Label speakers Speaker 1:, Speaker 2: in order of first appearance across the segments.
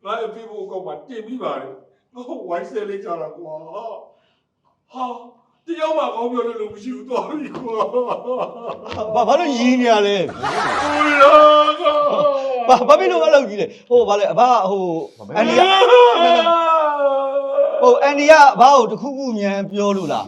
Speaker 1: ငါအဖေကိုကောက်မှာတင်ပြီးပါတယ်ငါဝိုင်းဆဲလေးကြတာကွာဟာတယောက်မှကောင်းပြောလို့မရှိဘူးသွားပြီကွာ
Speaker 2: ဘာလို့ရင်းနေရလဲ
Speaker 1: ဟုတ်လား
Speaker 2: ဘာဖြစ်လို့အဲ့လိုကြီးလဲဟိုဘာလဲအဘဟိုအန်ဒီကအန်ဒီကဘာကိုတခုခုမြန်ပြောလို့လား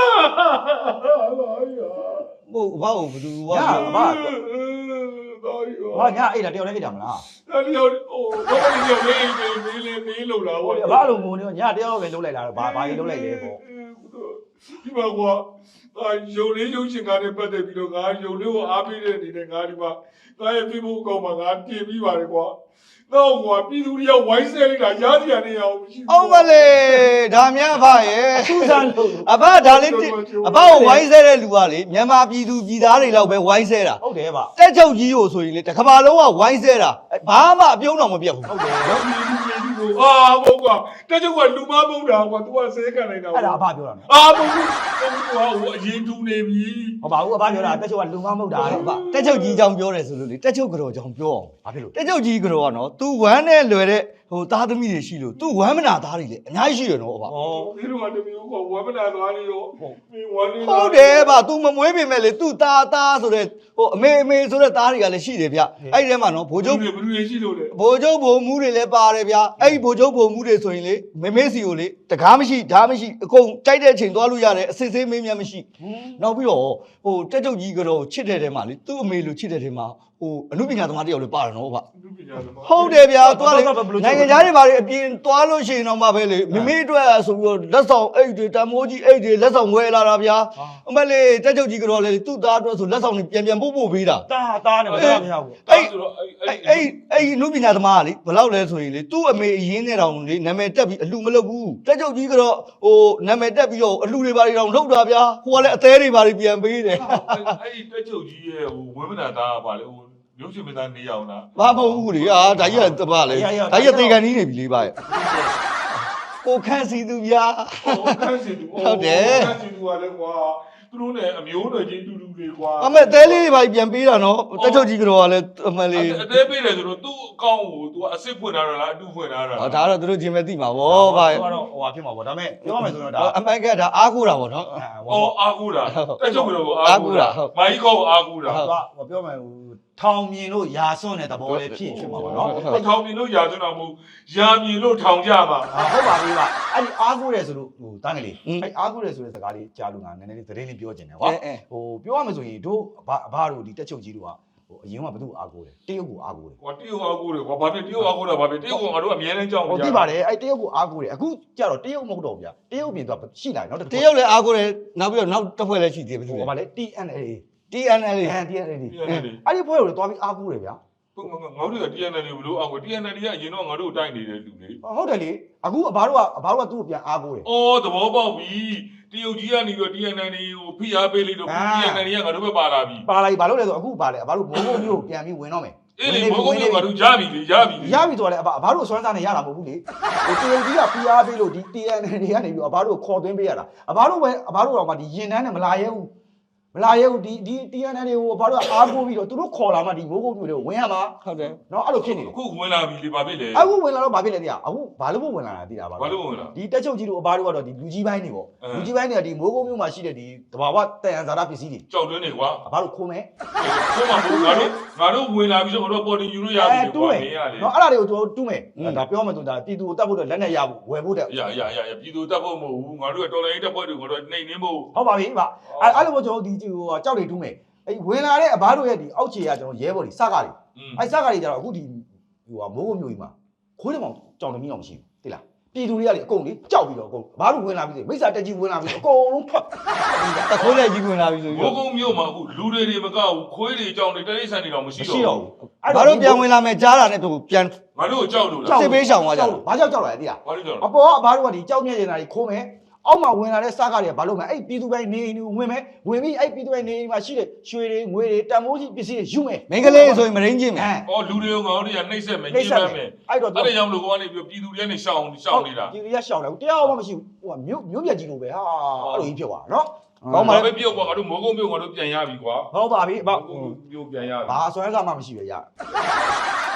Speaker 2: ဟိုဘာကိုဘယ်သူက
Speaker 3: ညာအဘ
Speaker 1: တော်ပြီ
Speaker 3: ဟာညာအဲ့ဒါတယောက်လည်းအိတ်တာမလား
Speaker 1: အဲ့ဒီဟိုတော့ဒီလိုလေးလို့လာ
Speaker 3: ဟို
Speaker 1: ဟော
Speaker 3: အဘလိုငုံနေညာတယောက်ပဲလုံးလိုက်တာတော့ဘာကြီးလုံးလိုက်လဲပေါ့
Speaker 1: ဒီမှာကွာရုံလေးရုံရှင်ကားနဲ့ပတ်သက်ပြီးတော့ငါရုံလေးကိုအားပေးတဲ့အနေနဲ့ငါဒီမှာငါရဲ့ Facebook အကောင့်မှာငါတင်ပြီးပါတယ်ကွာတော့ကွာပြည်သူတွေကဝိုင်းဆဲလိုက်တာရားစရာနေရအောင်မရှိဘူး
Speaker 2: အောင်မလေးဒါများအဘရဲ့
Speaker 3: သူစားလို့
Speaker 2: အဘဒါလေးအဘကိုဝိုင်းဆဲတဲ့လူကလေမြန်မာပြည်သူပြည်သားတွေလောက်ပဲဝိုင်းဆဲတာ
Speaker 3: ဟုတ်တယ်ဗျ
Speaker 2: တက်ချုပ်ကြီးကိုဆိုရင်လေတစ်ကမ္ဘာလုံးကဝိုင်းဆဲတာဘာမှအပြုံးတော့မပြတ်ဘူး
Speaker 3: ဟုတ်တယ်
Speaker 1: တော့ပြည်သူတွေကိုဟုတ်ကွာတက်ချုပ်ကလူမပုံတာကွာ तू ကဆဲခံလိုက်တာ
Speaker 3: အဲ့ဒါအဘပြောတာနော်
Speaker 1: မဟုတ်ဘူးဟိုအရင်တူနေပြီ
Speaker 3: ဟုတ်ပါဘူးအဘပြောတာတက်ချုပ်ကလူမမဟုတ်တာ
Speaker 2: အဘတက်ချုပ်ကြီးအကြောင်းပြောတယ်ဆိုလို့လေတက်ချုပ်ကြော်ကြောင့်ပြောအောင်
Speaker 3: ဘာဖြစ်လို့
Speaker 2: တက်ချုပ်ကြီးကြော်ကနော် तू ဝမ်းနဲ့လွယ်တဲ့ဟိုသားသမီးတွေရှိလို့ तू ဝမ်းမနာသားတွေလေအများကြီးရှိရနော်အဘ
Speaker 3: ဩ
Speaker 1: ဒီလိုမှတမျိုးကဝမ်းမနာသွားလေရောမင်းဝမ်းနေ
Speaker 2: ဟုတ်တယ်ဗျ तू မမွေးပေမဲ့လေ तू သားဆိုတဲ့ဟိုအမေဆိုတဲ့သားတွေကလည်းရှိတယ်ဗျအဲ့ဒီထဲမှာနော်ဘိုးချုပ်
Speaker 1: ဘယ်လိုရှိလို့လဲ
Speaker 2: ဘိုးချုပ်ဘိုးမူးတွေလည်းပါတယ်ဗျအဲ့ဒီဘိုးချုပ်ဘိုးမူးတွေဆိုရင်လေမေစီကိုလေတကားမရှိဓာတ်မရှိအကုန်ကြိုက်တဲ့အချိန်သွားလို့ရတယ်အစစ်ဆေးမင်းများမရှိနောက်ပြီးတော့ဟိုတက်ချုပ်ကြီးကတော့ချစ်တဲ့ထဲမှာလေသူ့အမေလိုချစ်တဲ့ထဲမှာဟိုအမှုပညာသမားတယောက်လည်းပါတယ်နော်ဗျဟုတ်တယ်ဗျသွားလေနိုင်ငံသားတွေဘာတွေအပြင်သွားလို့ရှိရင်တော့မှပဲလေမမေအတွက်ဆိုပြီးတော့လက်ဆောင်အိတ်တွေတမိုးကြီးအိတ်တွေလက်ဆောင်ဝယ်လာတာဗျာအမလေးတက်ချုပ်ကြီးကတော့လေသူ့သားအတွက်ဆိုလက်ဆောင်တွေပြန်ပို့ပေးတာ
Speaker 3: တာနဲ့မတာမရဘူး
Speaker 1: အဲ့ဆိုတော့
Speaker 2: အဲ့အမှုပညာသမားကလေဘယ်လောက်လဲဆိုရင်လေသူ့အမေအရင်းနဲ့တောင်လေနာမည်တက်ပြီးအလှမလုပ်ဘူးတက်ချုပ်ကြီးကတော့ဟိုနာမည်တက်ပြီးတော့အလှတွေဘာတွေတောင်ထုတ်တာဗျာဟိုကလည်းအသေးတွေဘာတွေပြန်ပေးတယ်
Speaker 1: အဲ့ဒီတက်ချုပ်ကြီးရဲ့ဟိုဝင်းမနာသားကပါလေဟိုရုပ်ရှင်မသားနေအောင်လား
Speaker 2: ဘာမဟုတ်ဘူးလေအာဒါကြီးကတပါလေဒါကြီးကသေကန်ကြီးနေပြီလေဗျာကိုခန့်စီသူဗျာ
Speaker 1: ခန်းစီသူခန်းစီသူကလည်းကွာသူတို့နဲ့အမျိုးတွေချင်းတူတူတွေကွာ
Speaker 2: အမေတဲလေးတွေဘာပြန်ပေးတာနော်တက်ချုပ်ကြီးကတော့လည်းအမလေး
Speaker 1: အသေးပေးတယ်ဆိုတော့သူ့အကောင့်ကို तू အစ်စ်ဖွင့်ထားတာလားအတူဖွင့်ထားတာ
Speaker 2: ဟောဒါတော့သူတို့ချင်းပဲသိမှာဗောဗျာ
Speaker 3: တော့ဟိုဟာဖြစ်မှာပေါ့ဒါပေမဲ့ပြောရမယ်ဆိုတော့ဒါ
Speaker 2: အမှန်ကဒါအားကိုးတာဗောနော်
Speaker 1: အော်အာကူတာတက်ချုပ်ကတော့အာကူတာမိုင်းကောအာကူတာ
Speaker 3: ဟိုပြောမယ်ဟိုထောင်မြင်လို့ရာစွန့်တဲ့သဘောလေးဖြစ်မှာပေါ့နော်
Speaker 1: ထောင်မြင်လို့ရာသွင်းတော်မူရာမြင်လို့ထောင်ကြပါ
Speaker 3: ဟုတ်ပါပြီပါအဲ့ဒီအားကိုးတယ်ဆိုလို့ဟိုတန်းကလေးအဲ့အားကိုးတယ်ဆိုတဲ့စကားလေးကြားလို့ငါနည်းနည်းလေးသတင်းလေးပြောချင်တယ်ကွာဟိုပြောရမယ်ဆိုရင်တို့အဘတို့ဒီတက်ချုပ်ကြီးတို့ကဟိုအရင်ကဘယ်သူအားကိုးတယ်တရုတ်ကိုအားကိုးတယ်
Speaker 1: ကွာတရုတ်အာကူတယ်ကွာဘာဖြစ်တရုတ်အာကူတာဘာဖြစ်တရုတ်ကငါတို့အမြဲတမ်းကြောက်
Speaker 3: ဟိုသိပါတယ်အဲ့တရုတ်ကိုအားကိုးတယ်အခုကြတော့တရုတ်မဟုတ်တော့ဗျာတရုတ်ပြင်သွားရှိလာနောက်တစ်
Speaker 2: တရုတ်လည်းအားကိုးတယ်နောက်ပြီးတော့နောက်တစ်ဖွဲ့လည်းရှိသေးတယ်
Speaker 3: ဟိုဗာလေ TNL
Speaker 2: TNL
Speaker 3: အဲ့ဒီဖွဲ့ကိုလည်းသွားပြီးအားကိုးတယ်ဗျာ
Speaker 1: ငါတို့က TNL ကိုဘလို့အာကူ TNL ကအရင်တော့ငါတို့တိုက်နေတဲ့လူလေ
Speaker 3: ဟုတ်တယ်လေအခုအဘတို့ကသူ့ကိုပြန်အားကိုးတယ်
Speaker 1: အော်သဘောပေါက်ပြီတရုတ်ကြီးကနေပြီး TNL ကိုဖိအားပေးလိုက်တော့ TNL ကငါတို့ပဲပါလာပြီ
Speaker 3: ပါလိုက်ဘာလို့လဲဆိုအခုပါလေအဘတို့မိုးကုတ်မျိုးကိုပြန်ပြီးဝင်တော့မယ်
Speaker 1: အေးလေဘောကုန်းကငါတို့ရပြီလေရပြီ
Speaker 3: ရပြီဆိုတော့လေအဘတို့စွမ်းစားနေရတာမဟုတ်ဘူးလေဟိုတရုတ်ကြီးကဖိအားပေးလို့ဒီ TNL တွေကနေပြီးအဘတို့ခေါ်သွင်းပေးရတာအဘတို့တော့မှဒီရင်တန်းနဲ့မလာရဲဘူးဒီ TNL တွေကိုအဘတို့ကအားကိုးပြီးတော့သူတို့ခေါ်လာမှဒီမိုးကုတ်မျိုးတွေကိုဝင်ရမှာ
Speaker 2: ဟုတ်တယ်
Speaker 3: နော်အဲ့လိုဖြစ်နေတယ်
Speaker 1: အခုဝင်လာပြီလေဘာဖြစ်လဲ
Speaker 3: အခုဝင်လာတော့ဘာဖြစ်လဲသိရအခုဘာလို့မဝင်လာတာသိတာပါ
Speaker 1: ဘာလို့ဝင်လာ
Speaker 3: ဒီတက်ချုပ်ကြီးတို့အဘတို့ကတော့ဒီလူကြီးပိုင်းတွေပေါ့လူကြီးပိုင်းတွေကဒီမိုးကုတ်မျိုးမှာရှိတဲ့ဒီတဘာဝတန်ရန်ဇာတာပစ္စည်းတွေ
Speaker 1: ကြောက်တွင်းနေကွာ
Speaker 3: အဘတို့ခိုးမယ်
Speaker 1: ခုမှမဟုတ်ငါတို့ဝင်လာပြီးတော့ငါတို့ပေါ်တင်ယူလို့ရပြီကွာမင်းရလေ
Speaker 3: နော်အဲ့ဒါတွေကိုကျွန်တော်တူးမယ်ဒါပြောမှဆိုဒါပြည်သူကိုတတ်ဖို့လက်နဲ့ရဖို့ဝယ်ဖို့တဲ့
Speaker 1: ရပြည်သူတပ်ဖို့မဟုတ်ဘူးငါတို့ကတော်လိုင်းတပ်ဖွဲ့တွေကိုတော့နှိမ်နှင်းဖို့
Speaker 3: ဟုတ်ပါပြီဗျအဲ့လိုမျိုးကျွန်တော်ဒီဟိုကြောက်တွေတူးမယ်အဲ့ဝင်လာတဲ့အဘတို့ရဲ့ဒီအောက်ခြေကကျွန်တော်ရဲဘော်တွေစကားတွေအဲ့စကားတွေကြတော့အခုဒီဟိုမိုးကုတ်မျိုးကြီးမှာခိုးတယ်မောင်ကြောင်တမီးအောင်မရှိဘူးသိလားပြည်သူတွေကလေအကုန်လေကြောက်ပြီးတော့အကုန်ဘာလို့ဝင်လာပြီမိစ္ဆာတက်ကြီးဝင်လာပြီအကုန်လုံးထွက်
Speaker 2: တခိုးလည်းကြီးဝင်လာပြီဆိုပြီး
Speaker 1: ဘိုးကုန်းမြို့မှာအခုလူတွေမကောက်ဘူးခွေးတွေကြောင်တွေတရိတ်ဆန်တွေတော့မရှိတော့ဘူး
Speaker 2: ဘာလို့ပြန်ဝင်လာမယ်ကြားတာနဲ့သူပြန်
Speaker 1: ငါတို့ကြောက်လို့လား
Speaker 2: စစ်ပေးရှောင်သွားကြတယ်
Speaker 3: ဘာကြောက်လာလဲသိလား
Speaker 1: ဘာလို့ကြောက်
Speaker 3: အပေါ်ကအဘတို့ကဒီကြောက်မြက်နေတာကြီးခိုးမယ်အောက်မှာဝင်လာတဲ့စားကားတွေကဘာလို့မလဲအဲ့ပြည်သူပိုင်းနေအိမ်တွေဝင်မယ်ဝင်ပြီးအဲ့ပြည်သူပိုင်းနေအိမ်မှာရှိတဲ့ရွှေတွေငွေတွေတန်မိုးကြီးပစ္စည်းတွေယူမယ်
Speaker 2: မင်္ဂလေးဆိုရင်မရင်းချင်းမယ်
Speaker 1: အော်လူတွေကိုငါတို့တွေကနှိမ့်ဆက်မယ်ညှိပန်းမယ်
Speaker 3: အဲ့တော့
Speaker 1: အဲ့ဒါကြောင့်လို့ကနေပြီးပြည်သူတွေကနေရှောင်နေတာ
Speaker 3: ပြည်သူရရှောင်တယ်တရားမှမရှိဘူးဟိုကမြို့ပြကြီးလိုပဲဟာအဲ့လိုကြီးဖြစ်သွားနော်
Speaker 1: ကောင်းပါပဲပြုတ်ကွာငါတို့မိုးကုန်းပြုတ်ငါတို့ပြန်ရပြီကွာ
Speaker 3: ဟုတ်ပါပြီအဘ
Speaker 1: ပြုတ်ပြန်ရပြီ
Speaker 3: ဘာဆွဲစားမှမရှိပဲရ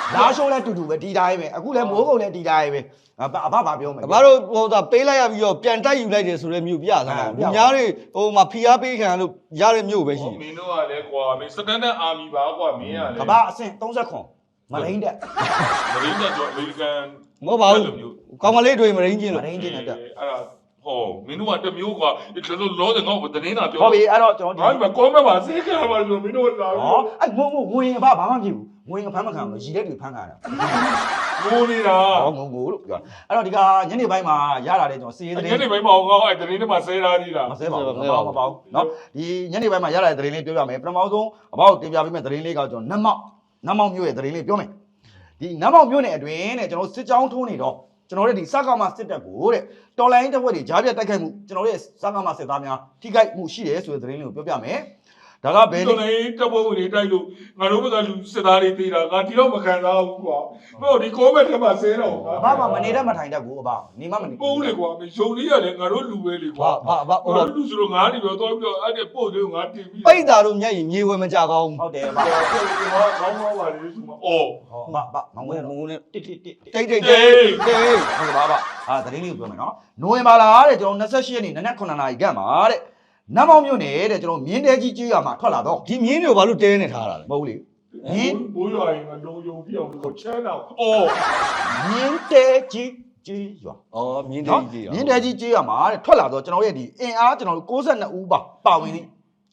Speaker 3: လာရှိုးလဲတူတူပဲဒီတိုင်းပဲအခုလဲမိုးကုံလဲဒီတိုင်းပဲအဘဘာပြောမလဲ
Speaker 2: အဘတို့ဟိုသာပေးလိုက်ရပြီးတော့ပြန်တိုက်ယူလိုက်တယ်ဆိုတဲ့မျိုးပြသမှာလူများတွေဟိုမှာဖီအားပေးခံလို့ရတဲ့မျိုးပဲရှိတယ်
Speaker 1: မင်းတို့ကလည်းကွာမင်းစတန်ဒတ်အာမီပါကွာမင်းကလည်း
Speaker 3: ကဘာအဆင့်39မလိန်တက်
Speaker 1: မရင်းတော့အမေရိကန်
Speaker 2: မဟုတ်ပါဘူးကောင်းမလေးတွေမရင်းချင်း
Speaker 3: မ
Speaker 2: လို့
Speaker 3: လိန်ချင်းနဲ့တက်
Speaker 1: အဲ့ဒါဟောမင်းတို့ကတမျိုးကွာဒီလိုလောတဲ့ငေါ့ကိုတင်းတာပြော
Speaker 3: ဟုတ်ပြီအဲ့တော့ကျွန်တော်
Speaker 1: ဟာဒီကောမပါစေကပါလို့မင်းတို့လာ
Speaker 3: ဟောအဲ့ငုံဝင်အဘဘာမှမဖြစ်ဘူးဝင်ဖမ်းမခံဘူးရီတဲ့တွေဖမ်းခံတာ
Speaker 1: ငိုနေတာ
Speaker 3: ဟောငုံလို့ပြောအဲ့တော့ဒီကညနေပိုင်းမှာရလာတဲ့ကျွန်တော်စီးရေးသတင်း
Speaker 1: ညနေပိုင်းမအောင်ငေါ့အဲ့တင်းတွေမှာဆဲထားသေးတာ
Speaker 3: မဆဲပါဘူးမပေါ့နော်ဒီညနေပိုင်းမှာရလာတဲ့သတင်းလေးပြောပြမယ်ပထမဆုံးအဘောက်တင်ပြပေးမယ့်သတင်းလေးကကျွန်တော်နတ်မောက်မျိုးရဲ့သတင်းလေးပြောမယ်ဒီနတ်မောက်မျိုးနဲ့အတွင်းနဲ့ကျွန်တော်စစ်ကြောင်းထိုးနေတော့ကျွန်တော်တို့ဒီစကားမှာစစ်တပ်ကိုတဲ့တော်လိုင်းတပ်ဖွဲ့တွေကြားပြတ်တိုက်ခိုက်မှုကျွန်တော်တို့ရဲ့စကားမှာစစ်သားများထိခိုက်မှုရှိတယ်ဆိုတဲ့သတင်းလေးကိုပြောပြမယ်ဒါကဘယ်
Speaker 1: တော်နေတပ်ဖွဲ့ဝင်တွေတိုက်လို့ငါတို့ဘက်ကလူစစ်သားတွေသေးတာငါဒီတော့မခံစားဘူးကွာဟိုဒီကောမက်ထဲမှာဆဲတော့
Speaker 3: ဘာမှမနေတတ်မထိုင်တတ်ဘူးအဘနေမှမနေ
Speaker 1: ပိုးလေကွာမယုံလေးရလေငါတို့လူပဲလေကွာ
Speaker 2: ဘာဟို
Speaker 1: ငါတို့လူဆိုတော့ငါနေတော့တော့ပြီးတော့အဲ့ဒီပို့သေးငါတင်ပြီး
Speaker 2: ပိတ်တာတို့မျက်ရည်မြေဝယ်မကြကောင်း
Speaker 3: ဟုတ်တယ်အဘ
Speaker 1: ကောင်းကောင်းပါလေဒီမှာအော်
Speaker 3: ဟောဘာမောင်ဝဲ
Speaker 2: မုန်းနဲ့
Speaker 3: တစ်
Speaker 2: တိတ်တိတ်
Speaker 3: ဟုတ်
Speaker 2: တိတ်
Speaker 3: ပါပါသတင်းလေးကိုပြောမယ်နော်နိုဝင်ဘာလတဲ့ကျွန်တော်28ရက်နေ့နနက်9နာရီခန့်မှာတဲ့နတ်မောင်မြို့နယ်တဲ့ကျွန်တော်မြင်းတဲကြီးကျေးရွာမှာထွက်လာတော့
Speaker 2: ဒီမြင်းတွေကိုဘာလို့တဲနေထားတာလဲ
Speaker 3: မဟုတ်လေ
Speaker 1: ဘိုးရွာရင်ငါလုံယုံပြအောင်ကိုချမ်းတော့အော်
Speaker 3: မြင်းတဲကြီးကျေးရွာ
Speaker 2: ဩမြင်း
Speaker 3: နော်
Speaker 2: ကြီးကြီး
Speaker 3: မြင်းတဲကြီးကျေးရွာမှာတဲ့ထွက်လာတော့ကျွန်တော်ရဲ့ဒီအင်အားကျွန်တော်တို့62ဦးပါဝင်သည်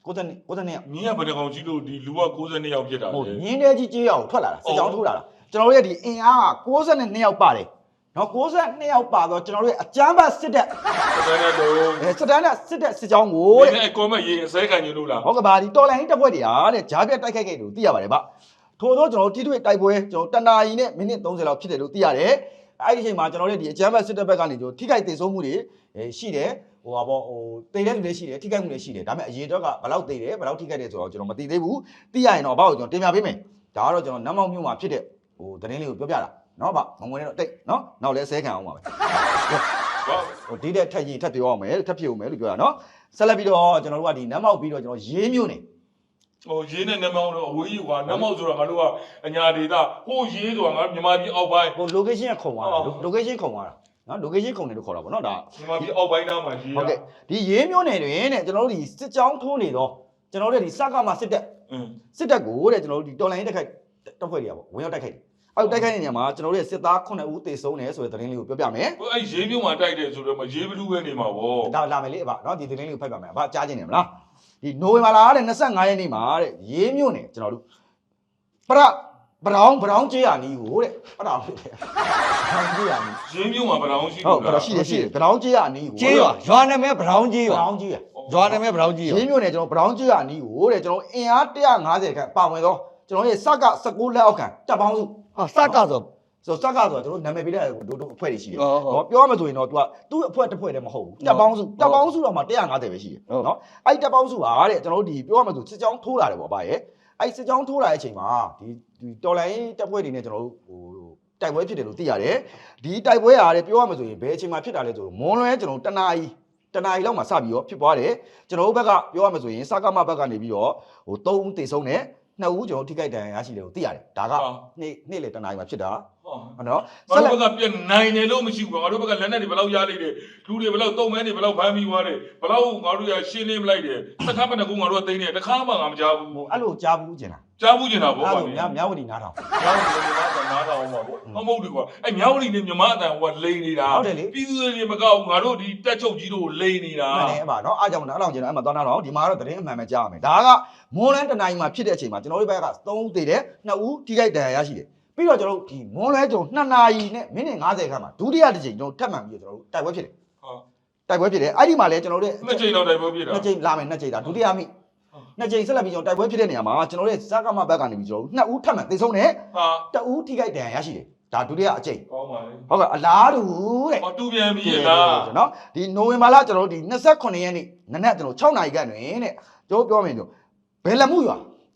Speaker 3: 62ရောက်
Speaker 1: မင်းကဘယ်တကောင်ကြီးလို့ဒီလူက62ယောက်ဖြစ်တာ
Speaker 3: ဟုတ်
Speaker 1: လေ
Speaker 3: မြင်းတဲကြီးကျေးရွာကိုထွက်လာတာစစ်ကြောင်းထိုးလာတာကျွန်တော်တို့ရဲ့ဒီအင်အားက62ယောက်ပါတယ်နော်62ယောက်ပါတော့ကျွန်တော်တို့ရဲ့အကြမ်းဖက်စစ်တပ်
Speaker 1: တဲ့တော့
Speaker 3: စစ်တမ်းနဲ့စစ်တပ်စစ်ကြောင်းကို
Speaker 1: ကို
Speaker 3: တဲ့
Speaker 1: တဲ့ကောမက်ရေးအစဲခံယူလို့လား
Speaker 3: ဟုတ်ကဲ့ပါဒီတော်လိုင်းတပ်ဖွဲ့တွေဟာတဲ့ဂျားပြတ်တိုက်ခိုက်ခဲ့တယ်လို့သိရပါတယ်ဗျထို့သောကျွန်တော်တို့တိတွေ့တိုက်ပွဲကျွန်တော်တနာရီနဲ့မိနစ်30လောက်ဖြစ်တယ်လို့သိရတယ်အဲ့ဒီအချိန်မှာကျွန်တော်တို့ဒီအကြမ်းဖက်စစ်တပ်ဘက်ကနေကျွန်တော်ထိခိုက်ဒေဆုံးမှုတွေရှိတယ်ဟိုပါပေါ့ဟိုတိတ်တဲ့လူတွေရှိတယ်ထိခိုက်မှုတွေရှိတယ်ဒါပေမဲ့အရေးတော့ကဘယ်လောက်တိတ်တယ်ဘယ်လောက်ထိခိုက်တယ်ဆိုတော့ကျွန်တော်မသိသေးဘူးသိရရင်တော့ဘာလို့ကျွန်တော်တင်ပြပေးမယ်ဒါကတော့ကျွန်တော်နတ်မောင်မြို့မှာဖြစ်တဲ့ဟိုသတင်းလေးကိုပြောပြတာနော်ဗျမငွေနဲ့တော့တိတ်နော်နောက်လဲဆဲခံအောင်ပါပဲ ဟိုဒီတဲ့ထက်ရင်ထက်ပြောအောင်မယ်ထက်ဖြစ်အောင်မယ်လို့ပြောတာနော်ဆက်လက်ပြီးတော့ကျွန်တော်တို့ကဒီနတ်မောက်ပြီးတော့ကျွန်တော်ရေးမျိုးနေ
Speaker 1: ဟိုရေးနဲ့နမောင်းတော့အဝေးကြီးကွာနမောင်းဆိုတော့ငါတို့ကအညာဒေတာဟိုရေးဆိုတာငါမြန်မာပြည်အောက်ပိုင်း
Speaker 3: ဟို location ကခုံသွားတာ location ခုံသွားတာနော် location ခုံတယ်လို့ခေါ်တာပေါ့နော်ဒါ
Speaker 1: မြန်မာပြည်အောက်ပိုင်းသားမှာရေး
Speaker 3: ဟုတ်ကဲ့ဒီရေးမျိုးနေတွင်တဲ့ကျွန်တော်တို့ဒီစစ်ကြောင်းထိုးနေတော့ကျွန်တော်တို့ဒီစကားမှာစစ်တပ်ကိုတဲ့ကျွန်တော်တို့ဒီတော်လိုင်းတက်ခိုက်တက်ဖွဲ့တွေကပေါ့ဝင်ရောက်တိုက်ခိုက်အဲ့တိုက်ခိုက်တဲ့နေရာမှာကျွန်တော်တို့ရဲ့စစ်သား9ဦးသေဆုံးတယ်ဆိုတဲ့သတင်းလေးကိုပြောပြမယ်
Speaker 1: ဟိုအဲ့ရေးမျိုးမှာတိုက်တယ်ဆိုတော့မရေးဘလူးပဲနေမှာဗော
Speaker 3: ဒါလာမယ်လေအဘနော်ဒီသတင်းလေးကိုဖတ်ပါမယ်အဘကြားချင်းနေမလားဒီနိုဝင်ဘာလတဲ့25ရက်နေ့မှာတဲ့ရေးမျိုးနေကျွန်တော်တို့ဘရောင်းကျေးရနီးကိုတဲ့အဲ့ဒါဟုတ်တယ်ဘရောင်းကျေးရနီး
Speaker 1: ရေးမျိုးမှာဗလောင်ရှိ
Speaker 3: ဟုတ်ဘရောင်းရှိတယ်ဘရောင်းကျေးရနီးကို
Speaker 2: ကျေးရွာနာမည်ဘရောင်းကြီး
Speaker 3: ဘ
Speaker 2: ရွာ
Speaker 3: ရောင်းကျေးရ
Speaker 2: ရွာနာမည်ဘရောင်းကြီးရွာ
Speaker 3: ရေးမျိုးနေကျွန်တော်ဘရောင်းကျေးရနီးကိုတဲ့ကျွန်တော်အင်အား150ခန့်ပါဝင်တော့ကျွန်တော်ရဲ့စက16လက်အောက်ခံတပ်ပေါင်းစု
Speaker 2: ဟာစကဆို
Speaker 3: ဆိုစကဆိုတော့ကျွန်တော်နာမည်ပေးတဲ့တို့အဖွဲ့တွေရှိတယ်ဟောပြောရမယ်ဆိုရင်တော့ तू ကသူ့အဖွဲ့တစ်ဖွဲ့တည်းမဟုတ်ဘူးတပ်ပေါင်းစုတော့မှ150ပဲရှိတယ်နော်အဲ့တပ်ပေါင်းစုဟာတဲ့ကျွန်တော်တို့ဒီပြောရမယ်ဆိုစစ်ကြောင်းထိုးလာတယ်ပေါ့ဗျာရဲ့အဲ့စစ်ကြောင်းထိုးလာတဲ့အချိန်မှာဒီတော်လိုင်းတပ်ဖွဲ့တွေနဲ့ကျွန်တော်တို့ဟိုတိုက်ပွဲဖြစ်တယ်လို့သိရတယ်ဒီတိုက်ပွဲဟာတဲ့ပြောရမယ်ဆိုရင်ဘယ်အချိန်မှာဖြစ်တာလဲဆိုတော့မွန်လွဲကျွန်တော်တနာရီလောက်မှာစပြီးတော့ဖြစ်သွားတယ်ကျွန်တော်တို့ဘက်ကပြောရမယ်ဆိုရင်စကမဘက်ကနေပြီးတော့ဟို3ဦးသေဆုံးတယ်2ဦးကျွန်တော်ထိခိုက်ဒဏ်ရာရရှိတယ်လို့သိရတယ်ဒါကနေ့လေတနာရီမှာဖြစ်တာဟုတ်နော်
Speaker 1: ငါတို့ဘက်ကပြန်နိုင်တယ်လို့မရှိဘူးငါတို့ဘက်ကလက်နဲ့တွေဘယ်လောက်ရလိုက်တယ်လူတွေဘယ်လောက်တုံးမဲတွေဘယ်လောက်ဖမ်းပြီးသွားတယ်ဘယ်လောက်ငါတို့ရရှင်းနေမလိုက်တယ်စကားမနဲ့ကူငါတို့ကသိနေတယ်တခါမှငါမကြားဘူး
Speaker 3: ဟိုအဲ့လိုကြားဘူးကျင်လား
Speaker 1: ကြားဘူးကျင်တာဗော
Speaker 3: အဲ့
Speaker 1: ဗျာ
Speaker 3: လိုမြောက်ဝတီနားထောင်
Speaker 1: ကြားဘူးမြန်မာကနားထောင်မှာဗောမဟုတ်ဘူးကွာအဲ့မြောက်လီနဲ့မြန်မာအတန်ဟိုကလိန်နေတာပြည်သူတွေမကောက်ငါတို့ဒီတက်ချုပ်ကြီးတို့လိန်နေတာ
Speaker 3: မှန်တယ်အမနော်အားကြောင့်နားထောင်ကျင်တော့အဲ့မှာသွားနားထောင်ဒီမှာတော့သတင်းအမှန်ပဲကြားရမယ်ဒါကမွန်လန်းတနိုင်မှာဖြစ်တဲ့အချိန်မှာကျွန်တော်တို့ဘက်က3ဦးသေတယ်2ဦးထိခိုက်ဒဏ်ရာရရှိတယ်ပြီးတော့ကျွန်တော်တို့ဒီမွန်လွဲကျွန်တော်2နာရီနဲ့မိနစ်50ခန့်မှာဒုတိယတစ်ချိန်ကျွန်တော်ထပ်မှန်ပြီးတော့ကျွန်တော်တို့တိုက်ပွဲဖြစ်တယ်တိုက်ပွဲဖြစ်တယ်အဲ့ဒီမှာလဲကျွန်တော်တို့
Speaker 1: နှစ်ချိန်တော့တိုက်ပွဲဖြစ်တာ
Speaker 3: နှစ်ချိန်လာမယ်နှစ်ချိန်ဒါဒုတိယမိနှစ်ချိန်ဆက်လက်ပြီးကျွန်တော်တိုက်ပွဲဖြစ်တဲ့နေရာမှာကျွန်တော်တို့စကားမဘက်ကနေပြီးကျွန်တော်တို့2ဦးထပ်မှန်သေဆုံးတယ်
Speaker 1: ဟာ
Speaker 3: 2ဦးထိခိုက်ဒဏ်ရာရရှိတယ်ဒါဒုတိယအချိန်
Speaker 1: ကောင်းပါလေ
Speaker 3: ဟုတ်ကဲ့အလားတူတဲ့
Speaker 1: ဟောတူပြန်ပြီလား
Speaker 3: နော်ဒီနိုဝင်ဘာလကျွန်တော်တို့ဒီ28ရက်နေ့နနက်ကျွန်တော်6နာရီခန့်တွင်တဲ့ကျွန်တော်ပြောမယ်ကျွန်တော်ဘယ်လက်မှုရွာ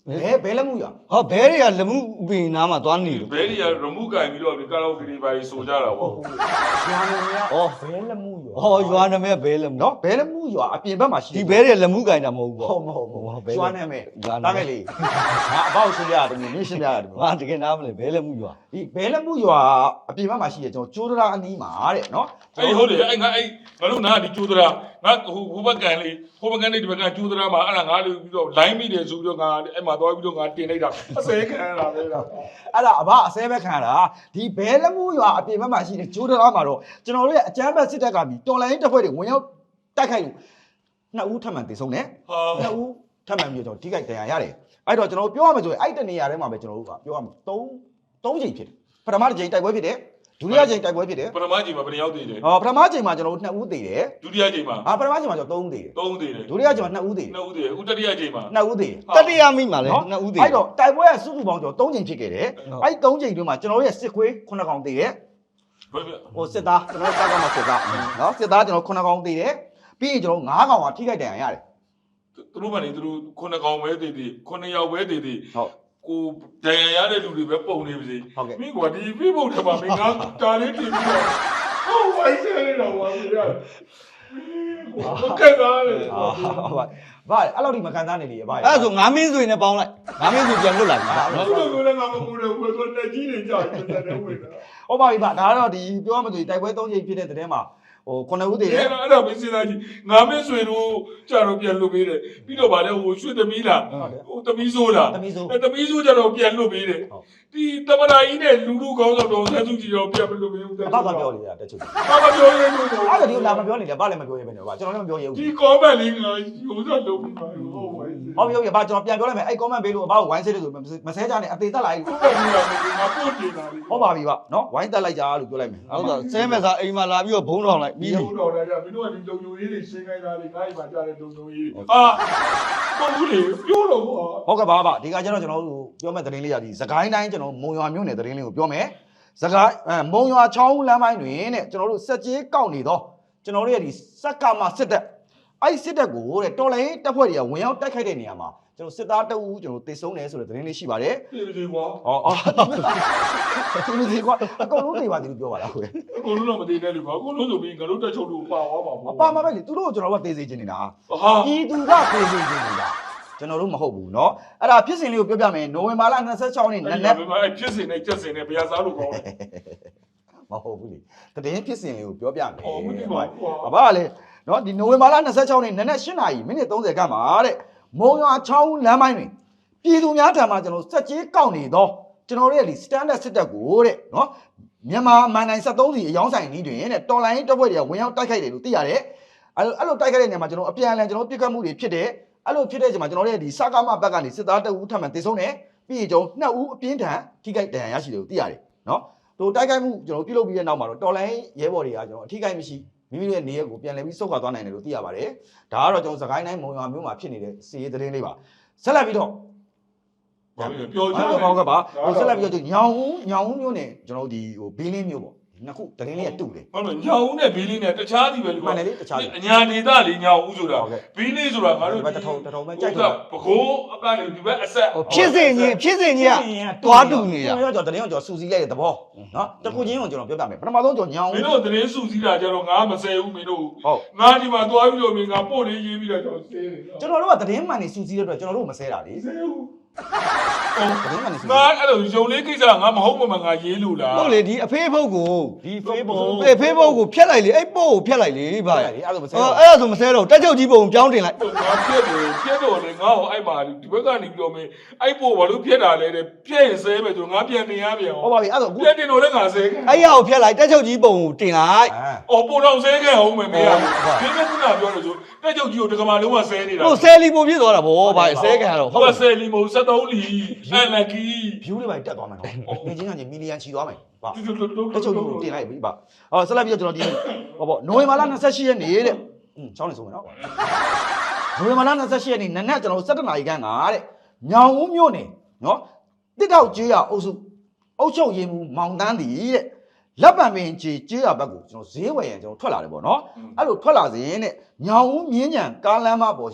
Speaker 3: ဘဲလက်မှုရ
Speaker 2: ဟောဘဲတွေကလက်မှုပင်နားမှာသွားနေလို့
Speaker 1: ဘဲတွေကရမှုကင်ပြီးတော့ကာလာအိုကေတွေပါဆိုကြတာပေါ့
Speaker 3: ရွာနေရဘဲလက်မှုရ
Speaker 2: ဟောရွာနာမည်ဘဲလက်မှု
Speaker 3: နော်ဘဲလက်မှုရအပြင်ဘက်မှာရှိ
Speaker 2: ဒီဘဲတွေလက်မှုကင်တာမဟုတ်ဘူးပေါ့
Speaker 3: မဟုတ်ရွာနာမည်တားမယ်လေငါအပေါ့ရှင်းရတယ်မင်းရှင်းရတယ်
Speaker 2: ငါတကယ်နားမလဲဘဲလက်မှုရွာ
Speaker 3: ဒီဘဲလက်မှုရွာအပြင်ဘက်မှာရှိရကျွန်တော်ကျိုးတရာအနီးမှာတဲ့နော်
Speaker 1: အဲ့ဟုတ်တယ်အဲ့ငါတို့နားဒီကျိုးသရာငါဟိုဘက်ကန်လေးဟိုဘက်ကန်လေးဒီဘက်ကကျိုးသရာမှာအဲ့ဒါငါလေးပြီးတော့ line မိတယ်ဆိုပြီးတော့ငါအဲ့မှာသွားပြီးတော့ငါတင်လိုက်တာအစဲခံရတာပဲလား
Speaker 3: အဲ့ဒါအဘအစဲပဲခံရတာဒီဘဲလက်မှုရွာအပြင်ဘက်မှာရှိတဲ့ကျိုးတရာမှာတော့ကျွန်တော်တို့ရဲ့အကြမ်းဖက်စစ်တပ်ကပြီးတော်လိုင်းတပ်ဖွဲ့တွေဝင်ရောက်တိုက်ခိုက်လို့နှစ်ဦးထပ်မံတည်ဆုံးတယ်
Speaker 1: ဟာ
Speaker 3: နှစ်ဦးထပ်မံပြီးတော့ထိခိုက်ဒဏ်ရာရတယ်အဲ့တော့ကျွန်တော်ပြောရမယ်ဆိုရင်အဲ့တနေရာထဲမှာပဲကျွန်တော်တို့ကပြောရမယ်3ချိန်ဖြစ်တယ်ပထမတစ်ချိန်တိုက်ပွဲဖြစ်တယ်ဒုတိယချိန်တိုက်ပွဲဖြစ်တယ်
Speaker 1: ပထမချိန်မှာဘယ်နှယောက်တည်တယ်
Speaker 3: ပထမချိန်မှာကျွန်တော်တို့2ဦးတည်တယ်
Speaker 1: ဒုတိယချိန်မှာ
Speaker 3: ပထမချိန်မှာကျွန်တော်3ဦးတည်တယ်
Speaker 1: 3ဦးတည်တယ်
Speaker 3: ဒုတိယချိန်မှာ2ဦးတည်တယ်
Speaker 1: 2ဦးတည်တယ်ဥတတိယချိန်မှာ
Speaker 3: 2ဦးတည်တယ်
Speaker 2: တတိယမိမှာလဲနှစ်ဦးသေး
Speaker 3: အဲ့တော့တိုက်ပွဲကစုစုပေါင်းကျွန်တော်3ချိန်ဖြစ်ခဲ့တယ်အဲ့3ချိန်တွင်းမှာကျွန်တော်တို့ရဲ့စစ်ခွေး9កောင်တည်တယ်
Speaker 1: ဘယ်
Speaker 3: ဟိုစစ်သားကျွန်တော်စကားမှာစစ်သားနော်စစ်သားကျွန်တော်9កောင်တည်တယ်ပြီးရင်ကျွန်တော်9កောင်ကထိခိုက်ဒဏ်ရာရတယ်
Speaker 1: သူတို့ကနေသူတို့9កောင်ပဲတည်တည်9ယောက်ပဲတည်တည်
Speaker 3: ဟုတ်
Speaker 1: ကိုဒဏ်ရာရတဲ့လူတွေပဲပုံနေပါစေ
Speaker 3: ဟုတ်ကဲ့
Speaker 1: မင်းကဒီ Facebook ထဲမှာမင်းကတားလေးတင်ပြီးတော့ဟိုဝိုင်းဆဲနေတာဟောမရဘူးကဲကားလေ
Speaker 3: ဟုတ်ပါဘာအဲ့လောက်ဒီမခံစားနေလေဘာ
Speaker 2: အဲ့ဒါဆိုငါမင်းဆွေနဲ့ပေါင်းလိုက်ငါမင်းဆွေပြန်လွတ်လာပြီနော်
Speaker 1: ဘယ်လိုလဲငါမကူတယ်ဘယ်လိုတက်ကြီးနေကြတယ်တဲ့ဝင်တာ
Speaker 3: ဟုတ်ပါပြီဗျဒါကတော့ဒီပြောမှဆိုတိုက်ပွဲ3ချိန်ဖြစ်တဲ့တဲ့မှာဟို9ဦးတည်တယ်
Speaker 1: အဲ့ဒါမင်းစဉ်းစားကြည့်ငါမင်းဆွေတို့ကြတော့ပြန်လွတ်ပေးတယ်ပြီးတော့ဗာလဲဟိုရွှေသမီးလားဟိုသမီးဆိုးလား
Speaker 3: သမီးဆို
Speaker 1: သမီးဆိုးကြတော့ပြန်လွတ်ပေးတယ်ဒီတမနာကြီးနဲ့လူလူကောင်းဆောင်တော်ဆက်စုကြည့်တော့ပြန်မလွတ်ပေးဘူး
Speaker 3: အတော့ပြောလေတက်ချုပ်
Speaker 1: ဘာမပြောရဲလို့
Speaker 3: အဲ့ဒါဒီလာမပြောနေလေဘာလည်းမပြောရဲပဲနော်ဗျကျွန်တော်လည်းမပြောရဲဘူး
Speaker 1: ဒီ comment လေးကရိုးစလုံးပြီးပါဟုတ်ပါရဲ့
Speaker 3: ဟောပြောပြဘာကျွန်တော်ပြန်ပြောလိုက်မယ်အဲ့ comment ပေးလို့အဘကိုဝိုင်းဆဲတယ်ဆိုမဆဲကြနဲ့အသေးသက်လိုက်
Speaker 1: ဟုတ်ပါပြီငါပို့တင်တာလေ
Speaker 3: ဟုတ်ပါပြီဗျနော်ဝိုင်းတက်လိုက်ကြလို့ပြောလိုက်မယ်
Speaker 2: ဟုတ်တော့ဆဲမဲ့စားအိမ်မှာလာပြီးတော့ဘုံတော်လိုက်ပြီးပြီ
Speaker 1: ဟုတ်တော့လည်းမင်းတို့ကဒီလုံယုံရေးတွေရှင်းခိုင်းတာလေငါ့အိမ်မှာကြားတဲ့လုံယုံရေးတွေဟာပုံဘူးလေပြောတော့ကွာ
Speaker 3: ဟုတ်ကဲ့ပါဗျဒီကကျတော့ကျွန်တော်တို့ပြောမဲ့သတင်းလေးရဒီစကိုင်းတိုင်းကျွန်တော်မုံရွာမြို့နယ်သတင်းလေးကိုပြောမယ်စကိုင်းမုံရွာချောင်းလမ်းပိုင်းတွင်တဲ့ကျွန်တော်တို့စက်ကြီးကောက်နေတော့ကျွန်တော်တို့ရဲ့ဒီစက်ကမစစ်တပ်အဲ့စစ်တပ်ကိုတဲ့တော်လိုင်းတပ်ဖွဲ့တွေကဝင်ရောက်တိုက်ခိုက်တဲ့နေရာမှာကျွန်တော်စစ်သားတအူးကျွန်တော်တေဆုံးတယ်ဆိုတဲ့သတင်းလေးရှိပါတယ်
Speaker 1: ပြေပြေကွာ
Speaker 3: ဟောဒီလိုကွာအကုန်လုံးနေပါသေးလို့ပြောပါလားခွေ
Speaker 1: အကုန်လုံးတော့မသိနဲ့လေကွာအကုန်လုံးဆိုပြီးငါတို့တက်ချုပ်လို့ပါသွားပါ
Speaker 3: အ
Speaker 1: ဘော
Speaker 3: ပါမပဲလေသူတို့ကိုကျွန်တော်ကသေစေချင်နေတာ
Speaker 1: ဟာ
Speaker 3: ပြည်သူကသေစေချင်နေတာကျွန်တော်တို့မဟုတ်ဘူးเนาะအဲ့ဒါဖြစ်စဉ်လေးကိုပြောပြမယ်နိုဝင်ဘာလ26ရက်နေ့န
Speaker 1: အဲ့
Speaker 3: က်
Speaker 1: ဒါပဲအဲ့ဖြစ်စင်နဲ့ကြက်စင်နဲ့ဘယ်စားလို့ကောင်းလဲ
Speaker 3: မဟုတ်ဘူးလေတည်င်းဖြစ်စဉ်လေးကိုပြောပြမယ်
Speaker 1: အော်မသိပါဘူးကွာ
Speaker 3: အဘကလေเนาะဒီနိုဝင်ဘာလ26ရက်နေ့နက်8:30မိနစ်30ခန့်မှာတဲ့မုံရွာချောင်းလမ်းပိုင်းတွင်ပြည်သူများထံမှကျွန်တော်စက်ကြီးကောက်နေတော့ကျွန်တော်တို့ရဲ့ဒီ standard စစ်တပ်ကိုတဲ့เนาะမြန်မာမန်နိုင်73စီအယောင်းဆိုင်နီးတွင်တဲ့တော်လိုင်းတပ်ဖွဲ့တွေကဝင်ရောက်တိုက်ခိုက်တယ်လို့သိရတယ်အဲ့လိုတိုက်ခိုက်တဲ့နေရာမှာကျွန်တော်အပြန်အလှန်ကျွန်တော်ပြစ်ခတ်မှုတွေဖြစ်တယ်အဲ့လိုဖြစ်တဲ့အချိန်မှာကျွန်တော်တို့ရဲ့ဒီစကားမဘက်ကနေစစ်သားတအူးထပ်မံတေဆုံးတယ်ပြီးရင်ကျွန်တော်2ဦးအပြင်းထန်ထိခိုက်ဒဏ်ရာရရှိတယ်လို့သိရတယ်เนาะတို့တိုက်ခိုက်မှုကျွန်တော်ပြုလုပ်ပြီးတဲ့နောက်မှာတော့တော်လိုင်းရဲဘော်တွေကကျွန်တော်အထိခိုက်မရှိမိမိတို့ရဲ့နေရက်ကိုပြန်လည်ပြီးဆုတ်ခွာသွားနိုင်တယ်လို့သိရပါတယ်ဒါကတော့ကျွန်တော်စကိုင်းတိုင်းမုံရွာမြို့မှာဖြစ်နေတဲ့စီးရေးသတင်းလေးပါဆက်လက်ပြီးတော့
Speaker 1: ပြောချင်တယ်
Speaker 3: ဟုတ်ကဲ့ပါဟိုဆက်လက်ပြီးတော့ညောင်ဦးမြို့နယ်ကျွန်တော်တို့ဒီဟိုဘေးလင်းမြို့ပေါ့နှစ်ခုသတင်းလေးကတူတယ်
Speaker 1: ဟုတ်တယ်ညောင်ဦးနဲ့ဘီလီနဲ့တခြားစီပဲလေ
Speaker 3: မှန်တယ်လေတခြားစီ
Speaker 1: အညာဒေသလေညောင်ဦးဆိုတာဘီလီဆိုတာငါတို့
Speaker 3: ဒီဘက်တထုံပဲကြိုက်တော့
Speaker 1: ပကိုးအကနေဒီဘက်အဆက်
Speaker 2: ဖြစ်စဉ်ကြီးကတွားတူနေတာ
Speaker 3: ကျွန်တော်သတင်းကိုကျွန်တော်စူစီလိုက်တဲ့သဘောနော်တခုချင်းကိုကျွန်တော်ပြောပြမယ်ပထမဆုံးကျွန်တော်ညောင်
Speaker 1: မင်းတို့သတင်းစုစည်းတာကြတော့ငါမဆယ်ဘူးမင်းတို့
Speaker 3: ဟုတ်
Speaker 1: ငါဒီမှာသွားပြီးတော့မင်းငါပို့လေးရေးပြီးတော့ကျွန်တော်စေးတယ်
Speaker 3: ကျွန်တော်တို့ကသတင်းမှန်နေစူစီတဲ့အတွက်ကျွန်တော်တို့မဆဲတာလေ
Speaker 1: ဆယ်ဘူး
Speaker 3: သတင်းမှန်နေစူစီ
Speaker 1: ငါအဲ့လိုယုံလေးကိစ္စငါမဟုတ်မှငါရေးလို့လား
Speaker 2: ဟုတ်လေဒီအဖေးဖုတ်ကို
Speaker 3: ဒီ Facebook
Speaker 2: ဖေးဖုတ်ကိုဖျက်လိုက်လေအဲ့ပို့ကိုဖျက်လိုက်လေဗျာ
Speaker 3: လေအဲ့လိုမဆဲ
Speaker 2: အဲ့
Speaker 3: တော့
Speaker 2: ဒါဆိုမဆဲတော့တက်ချုပ်ကြီးပုံပြောင်းတင်လိုက်
Speaker 1: ငါပြက်တယ်ပြက်တော့လေငါ့ကိုအဲ့မှာဒီဘက်ကနေပြီးတော့မင်းအဲ့ပို့ဘာလို့ပြက်တာလဲတဲ့ပြက်ရင်ဆဲမယ်ဆိုငါပြန်တင်ရပြန်
Speaker 3: ဟုတ်ပါပြီအဲ့ဒါအခု
Speaker 1: ပြက်တင်တော့လည်းငါဆဲခဲ့
Speaker 2: အဲ့ရကိုဖျက်လိုက်တက်ချုပ်ကြီးပုံကိုတင်လိုက်
Speaker 1: အော်ပို့တော့ဆဲခဲ့အောင်မယ်မင်းကဒီမဲ့ခုနပြောလို့ဆိုတက်ချုပ်ကြီးကိုတက္ကမလုံးဝဆဲနေတာ
Speaker 2: ဟိုဆဲလီပုံပြည့်သွားတာဗောဗျာဆဲခံရတော့
Speaker 1: ဟုတ်ပါဆယ်လီမို့73လီအဲ့လက်ကီ
Speaker 3: view လေးပါတက်သွားမယ်နော်ငွေချင်းကမီလီယံချီသွားမယ်ပါ
Speaker 1: တူတူတူ
Speaker 3: တချို့ကိုတင်လိုက်ပြီပါအော်ဆက်လိုက်ပြီးတော့ကျွန်တော်ဒီဟောပေါ့နိုဝင်ဘာလ28ရက်နေ့တဲ့ချောင်းနေဆုံးမယ်နော်နိုဝင်ဘာလ28ရက်နေ့နနက်ကျွန်တော်17နာရီခန့်ကတဲ့ညောင်ဦးမြို့နယ်နော်တစ်ထောက်ကျေးရအုပ်စုအုပ်ချုပ်ရေးမှူးမောင်တန်းတီတဲ့လက်ပံပင်ကျေးရဘက်ကိုကျွန်တော်ဈေးဝယ်ရန်ကျွန်တော်ထွက်လာတယ်ပေါ့နော်အဲ့လိုထွက်လာစဉ်တဲ့ညောင်ဦးမြင်းညံကားလမ်းမပေါ်ရှိ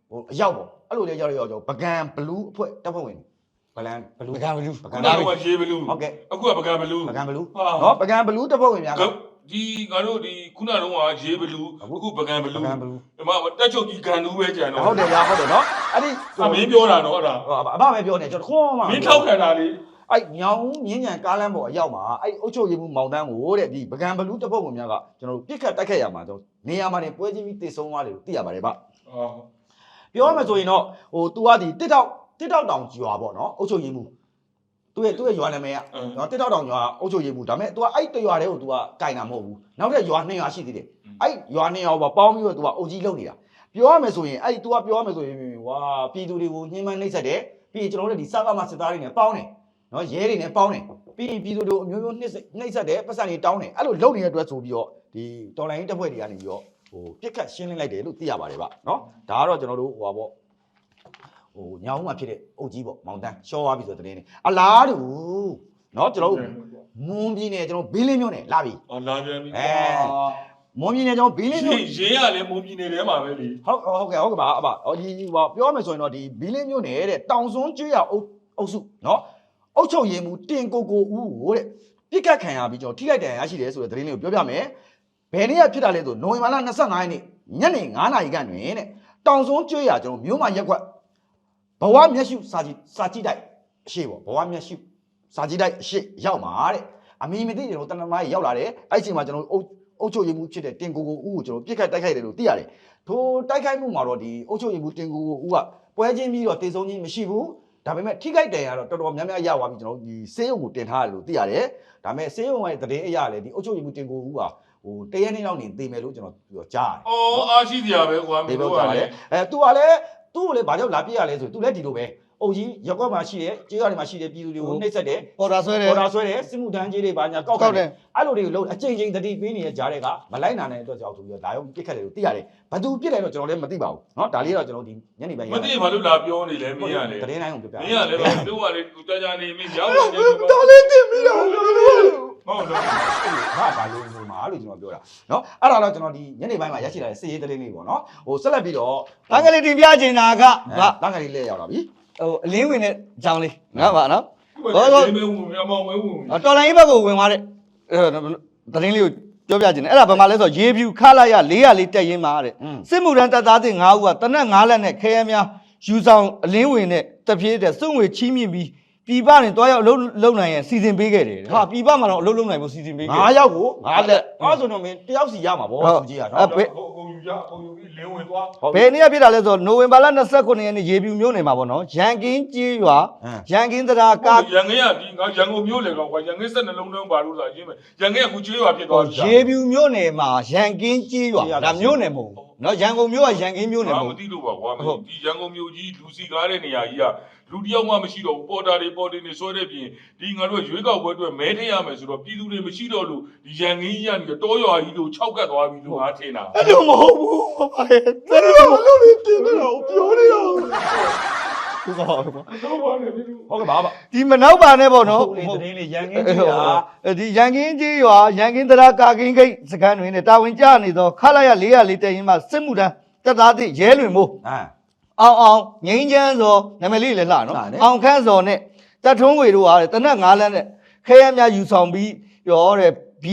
Speaker 3: ဟိုအရောက်ပေါ့အဲ့လိုလေရောက်ကျွန်တော်ပကံဘလူးအဖွဲ့တပ်ဖွဲ့ဝင်ဘလန်ဘလူး
Speaker 2: ပကံဘလူး
Speaker 1: ခုနကတော့ရေဘလူး
Speaker 3: ဟုတ်ကဲ့
Speaker 1: အခုကပကံဘလူး
Speaker 3: ပကံဘလူး
Speaker 1: ဟာ
Speaker 3: နော်ပကံဘလူးတပ်ဖွဲ့ဝင်များက
Speaker 1: ဒီငါတို့ဒီခုနကတော့ရေဘလူးအခုပကံဘလူး
Speaker 3: ပကံဘလူး
Speaker 1: ဒီမှာတက်ချုပ်ကြီးဂန်နူးပဲကြံတော့
Speaker 3: ဟုတ်တယ်ဗျာဟုတ်တယ်နော်အဲ့ဒီ
Speaker 1: အမင်းပြောတာနော်အဲ့ဒါ
Speaker 3: အဘပဲပြောနေကျွန်တော်ခွန်းမှ
Speaker 1: မင်းထောက်ခံတာလေ
Speaker 3: အဲ့ညောင်မြင်းညံကားလမ်းပေါ်အရောက်မှာအဲ့အုတ်ချုပ်ရည်မှုမောင်တန်းကိုတဲ့ဒီပကံဘလူးတပ်ဖွဲ့ဝင်များကကျွန်တော်ပြစ်ခတ်တိုက်ခတ်ရမှာကျွန်တော်နေရာမှာနေပွဲချင်းပြီးတည်ဆုံးသွားတယ်လို့သိရပါတယ်ဗျ ပြောရမယ်ဆိုရင်တော့ဟို तू ကဒီတစ်တောက်တောင်ကျွာပေါ့နော်အုတ်ချုပ်ရည်မှုသူ့ရဲ့ရွာနာမည်ကနော်တစ်တောက်တောင်ကျွာအုတ်ချုပ်ရည်မှုဒါပေမဲ့ तू ကအဲ့တရွာတည်းကို तू ကကင်တာမဟုတ်ဘူးနောက်ထပ်ရွာ2ရွာရှိသေးတယ်အဲ့ရွာ2ရွာပေါင်းပြီးတော့ तू ကအုတ်ကြီးလုံနေတာပြောရမယ်ဆိုရင်အဲ့ तू ကပြောရမယ်ဆိုရင်ဝါပြည်သူတွေကိုညှဉ်းပန်းနှိပ်စက်တယ်ပြီးရင်ကျွန်တော်တို့ဒီစကားမစစ်သားတွေနဲ့ပေါင်းတယ်နော်ရဲတွေနဲ့ပေါင်းတယ်ပြီးရင်ပြည်သူတွေကိုအမျိုးမျိုးနှိပ်စက်တယ်ပတ်စံတွေတောင်းတယ်အဲ့လိုလုံနေတဲ့အတွက်ဆိုပြီးတော့ဒီတော်လိုင်းတပ်ဖွဲ့တွေကနေပြီးတော့ဟိုပြစ်ခတ်ရှင်းလင်းလိုက်တယ်လို့သိရပါတယ်ဗျနော်ဒါကတော့ကျွန်တော်တို့ဟိုပါပေါ့ဟိုညောင်းမှာဖြစ်တဲ့အုတ်ကြီးပေါ့မောင်တန်းရှော့သွားပြီဆိုတဲ့တင်းနေအလားတူနော်ကျွန်တော်တို့မွန်ပြည်နယ်ကျွန်တော်ဘေးလင်းမြို့နယ်လာပြီ
Speaker 1: အော်လာပြန်ပြီ
Speaker 3: မွန်ပြည်နယ်ကျွန်တော်ဘေးလင်းမြို့
Speaker 1: ရေးရလဲမုံပြည်နယ်ထဲမှာပဲလေ
Speaker 3: ဟုတ်ကဲ့ပါအဘဟောဒီဟိုပြောမယ်ဆိုရင်တော့ဒီဘေးလင်းမြို့နယ်တဲ့တောင်စွန်းကျွေးရအုပ်စုနော်အုတ်ချုပ်ရည်မှုတင်ကိုဦးကိုတဲ့ပြစ်ကတ်ခံရပြီးကျွန်တော်ထိခိုက်ဒဏ်ရာရရှိတယ်ဆိုတဲ့သတင်းလေးကိုပြောပြမယ်ဘယ်နေ့ကဖြစ်တာလဲဆိုနိုဝင်ဘာလ25ရက်နေ့ညနေ9:00နာရီခန့်တွင်တဲ့တောင်စွန်းကျွေးရကျွန်တော်မြို့မှာရက်ကွက်ဘဝမျက်ရှုစာကြည့်တိုက်အရှိပေါ့ဘဝမျက်ရှုစာကြည့်တိုက်အရှိရောက်မှာတဲ့အမီမသိကျွန်တော်တနမားကြီးရောက်လာတယ်အဲ့ချိန်မှာကျွန်တော်အုတ်ချုပ်ရည်မှုဖြစ်တဲ့တင်ကိုဦးကိုကျွန်တော်ပြစ်ခတ်တိုက်ခိုက်တယ်လို့သိရတယ်ထိုတိုက်ခိုက်မှုမှာတော့ဒီအုတ်ချုပ်ရည်မှုတင်ကိုဦးကပွဲချင်းပြီးတော့တေဆုံးချင်းမရှိဘူးဒါပေမဲ့ထိခိုက်တယ်ရတော့တော်တော်များများရသွားပြီကျွန်တော်ဒီဆေးရုံကိုတင်ထားတယ်လို့သိရတယ်ဒါပေမဲ့ဆေးရုံရဲ့သတင်းအရလည်းဒီအုတ်ချုပ်ရည်မှုတင်ကိုဦးကဟိုတရက်နေ့လောက်နေသိမယ်လို့ကျွန်တော်ကြားရတယ်
Speaker 1: အော်အားရှိစရာပဲကွာမင်းတို့ကလည်း
Speaker 3: သူကလည်းသူ့ကိုလည်းဘာကြောင့်လာပြရလဲဆိုသူလည်းဒီလိုပဲအုပ်ကြီးရက်ကွက်မှာရှိတယ်ကျေးရွာတွေမှာရှိတယ်ပြည်သူတွေကိုနှိပ်စက်တယ်
Speaker 2: ပေါ်တာဆွဲတယ်
Speaker 3: ပေါ်တာဆွဲတယ်စစ်မှုထမ်းကြီးတွေဘာညာကောက်တယ်အဲ့လိုတွေကိုလုံးအချိန်ချင်းတတိပေးနေတဲ့ကြားတွေကမလိုက်နိုင်တဲ့အတွက်ကြောင့်ဆိုပြီးတော့ဒါရောပြစ်ခတ်တယ်လို့သိရတယ်ဘသူပြစ်တယ်တော့ကျွန်တော်လည်းမသိပါဘူးเนาะဒါလေးတော့ကျွန်တော်ဒီညနေပိုင်း
Speaker 1: မသိဘာလို့လာပြောနေလဲမင်းကလေ
Speaker 3: သတင်းတိုင်းကိုပြောပြ
Speaker 1: မင်းကလေတို့ကလေကြာကြာနေမင်းရောက်နေတယ်
Speaker 3: ဒါလေးတင်ပြီးတော့
Speaker 1: ဟုတ်တော့
Speaker 3: ဟာဘာလို့ဆိုမှာလို့ကျွန်တော်ပြောတာเนาะအဲ့ဒါတော့ကျွန်တော်ဒီညနေပိုင်းမှာရရှိလာတဲ့စစ်ရေးသတင်းလေးပေါ့เนาะဟိုဆက်လက်ပြီးတော့
Speaker 2: တန်းကလေးတင်ပြချင်တာကဗ
Speaker 3: တန်းကလေးလက်ရောက်လာပြီ
Speaker 2: ဟိုအလင်းဝင်တဲ့အကြောင်းလေးနော်ဗာနော်
Speaker 1: ဒီမေဝင်အမောင်ဝင်ဝင်
Speaker 2: တော်လိုင်းဘက်ကိုဝင်သွားတဲ့သတင်းလေးကိုပြောပြချင်တယ်အဲ့ဒါဘာမှလဲဆိုတော့ရေဖြူခလာရ404တက်ရင်မှာတဲ့စစ်မှုထမ်းတပ်သားတွေ9ဦးကတနက်9လက်နဲ့ခဲယမ်းများယူဆောင်အလင်းဝင်နဲ့တပြေးတဲ့စွန့်ဝေချီးမြင့်ပြီးပြည်ပနဲ့တွားရောက်အလုပ်လုပ်နိုင်ရင်စီစဉ်ပေးခဲ့တယ်ဟာပြည်ပမှာတော့အလုပ်လုပ်နိုင်ဖို့စီစဉ်ပေးခဲ့တယ်
Speaker 3: 9ယောက်ကို9လက်အဲ့ဆိုတော့မင်းတယောက်စီရမှာဗောသူကြီးอ่ะเนาะ
Speaker 1: အကုန်ယူကြအကုန်ယူပြီးလင်းဝင်သွား
Speaker 2: ဘယ်နေ့ကဖြစ်တာလဲဆိုတော့နိုဝင်ဘာလ29ရက်နေ့ရေဖြူမြို့နယ်မှာပေါ့နော်ရန်ကင်းကျေးရွာရန်ကင်းတရားကား
Speaker 1: ရန်ကင်းကဒီငါရန်ကုန်မြို့လေကောင်ကွာရန်ကင်းဆက်နှလုံးလုံးပါလို့ဆိုတာအရင်ပဲရန်ကင်းကခုကျွေးရွာဖြစ်သွားပြီ
Speaker 2: ရေဖြူမြို့နယ်မှာရန်ကင်းကျေးရွာဒါမြို့နယ်မဟုတ်ဘူးနော်ရန်ကုန်မြို့ကရန်ကင်းမြို့နယ်မ
Speaker 1: မ
Speaker 2: ဟုတ်
Speaker 1: သိလို့ပါကွာဒီရန်ကုန်မြို့ကြီးလူစီကားတဲ့နေရာကြီးကလူတယောက်မှမရှိတော့ဘူးပေါ်တာတွေပေါ်တင်နေဆွဲတဲ့ပြင်ဒီငါတို့ရွေးကောက်ပွဲအတွက်မဲထည့်ရမယ်ဆိုတော့ပြည်သူတွေမရှိတော့လို့ဒီရန်ကင်းကြီးကနေတောရွာကြီးလို့၆ကတ်သွားပြီလို့ငါထင်တာ
Speaker 2: အဲ့လိုမဟုတ်ဘူးဘာလဲတဲ့လို့လို့တင်ပြတော့ပြောနေတော့ဟုတ်ပါဘူး
Speaker 1: တော့ပါနဲ့ပြည်သူ
Speaker 3: ဟုတ်ကဲ့ပါပါ
Speaker 2: ဒီမနောက်ပါနဲ့ပေါ့နော်
Speaker 3: ဟုတ်လေသတင်းလေးရန်ကင်းကြီးอ่ะ
Speaker 2: ဒီရန်ကင်းကျေးရွာရန်ကင်းတရားကာကင်းဂိတ်စခန်းတွင်တာဝန်ကျနေသောခလာရ404တက်ရင်မှစစ်မှုထမ်းတပ်သားတွေရဲလွင်မို့အောင်ငိမ့်ချမ်းစောနာမည်လေးလည်းလှနော်အောင်ခန့်စောနဲ့တပ်ထုံးဝေတို့ဟာတနက်9လမ်းနဲ့ခဲရများယူဆောင်ပြီးရောတဲ့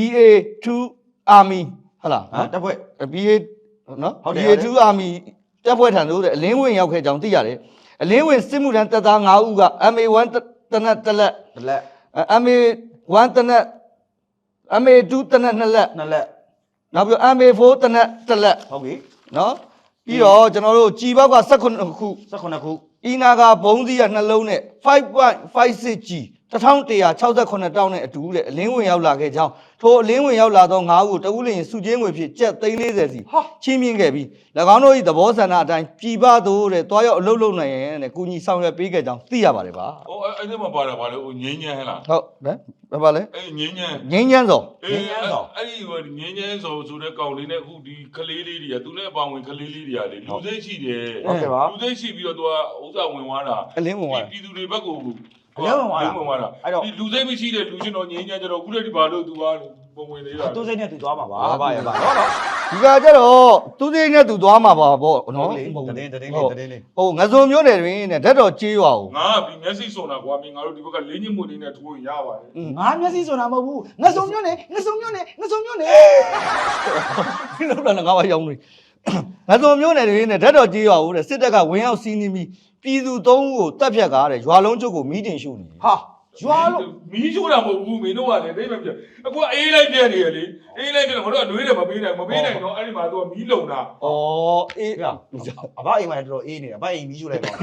Speaker 2: BA2 Army ဟုတ်လား
Speaker 3: တပ်ဖွဲ့
Speaker 2: BA နော် BA2 Army တပ်ဖွဲ့ထံသို့တဲ့အလင်းဝင်ရောက်ခဲ့ကြောင်းသိရတယ်အလင်းဝင်စစ်မှုထမ်းတပ်သား9ဦးက MA1 တနက်တစ်လက်
Speaker 3: လက်
Speaker 2: MA1 တနက် MA2 တနက်2လက်
Speaker 3: 2လက်
Speaker 2: နောက်ပြီး MA4 တနက်1လက်
Speaker 3: ဟုတ်ပြီ
Speaker 2: နော်ပြီးတော့ကျွန်တော်တို့ကြည်ဘောက်က18ခု
Speaker 3: 18ခု
Speaker 2: အီနာကဘုံသီးရနှလုံးနဲ့ 5.56G 1168တောင်းနဲ့အတူတဲ့အလင်းဝင်ရောက်လာခဲ့ကြောင်းထိုအလင်းဝင်ရောက်လာသော9ဦးကိုတဦးလျင်စုချင်းငွေဖြင့်ကျပ်340စီချင်းမြင့်ခဲ့ပြီး၎င်းတို့၏သဘောဆန္ဒအတိုင်းပြည်ပသို့တဲ့တွားရောက်အလုပ်လုပ်နိုင်ရန်တဲ့ကုညီဆောင်ရွက်ပေးခဲ့ကြောင်းသိရပါတယ်ပါ
Speaker 1: ဟိုအဲ့ဒီမှာပါတာပါလေဟိုငင်းညမ်းဟဲ့လား
Speaker 2: ဟုတ်ဗဲဘာလဲ
Speaker 1: အဲ့ငင်းညမ်း
Speaker 2: ငင်းညမ်းစော
Speaker 1: အဲ့ဒီဟိုငင်းညမ်းဆိုတဲ့ကောင်လေးနဲ့အခုဒီကလေးလေးတွေကသူနဲ့အပေါင်းဝင်ကလေးလေးတွေကလေလူစိတ်ရှိတယ်
Speaker 3: ဟုတ်ကဲ့ပါ
Speaker 1: လူစိတ်ရှိပြီးတော့သူကဥစ္စာဝင်သွားတာ
Speaker 2: အလင်းဝင်သွား
Speaker 1: ပြည်သူတွေဘက်ကို
Speaker 3: အလင်းဝင်သွားတာ
Speaker 1: ဝင်သွားတာ
Speaker 3: အဲ့တော့
Speaker 1: ဒီလူစိတ်မရှိတဲ့လူရှင်တော်ငင်းညမ်းကြတော့အခုတည်းဒီဘာလို့သူကပုံဝင်သေးတာ
Speaker 3: သူစိတ်နဲ့သူသွားမှာပါဗျာဗျာနော်
Speaker 2: ဒီကကြတော့သူသိနဲ့သူသွားမှာပါပေါ့နော်
Speaker 3: တတင်းလေး
Speaker 2: ဟိုငစုံမျိုးနယ်တွင်နဲ့ဓာတ်တော်ကြေးရွာကို
Speaker 1: ငါဒီမျက်စိစုံတာကွာမင်းငါတို့ဒီဘက်ကလင်းညစ်မှုနေနဲ့ထိုးရပါတယ်
Speaker 3: ငါမျက်စိဆိုတာမဟုတ်ဘူးငစုံမျိုးနဲ့ငစုံမျိုးနဲ့ငစုံမျိုးနဲ့
Speaker 2: လောက်လာငါးပါးရောက်နေငစုံမျိုးနယ်တွင်နဲ့ဓာတ်တော်ကြေးရွာကိုတဲ့စစ်တပ်ကဝင်ရောက်စီးနှင်းပြီးပြည်သူ3ဦးကိုတပ်ဖြတ်ကားတဲ့ရွာလုံးချုပ်ကိုမီးတင်ရှို့နေတယ်
Speaker 3: ဟာရွာလို့
Speaker 1: မီးချိုးတာမဟုတ်ဘူးမင်းတို့ကလည်းသိမပြအခုအေးလိုက်ပြနေရလေအေးလိုက်ပြတော့ငါတို့ကနှွေးတယ်မပေးနိုင်တော့အဲ့ဒီမှာသူကမီးလုံတာ
Speaker 2: ဩအေး
Speaker 3: ဗျာအဘအိမ်မှာတော်တော်အေးနေတာအဘအိမ်မီးရှို့လိုက်ပါ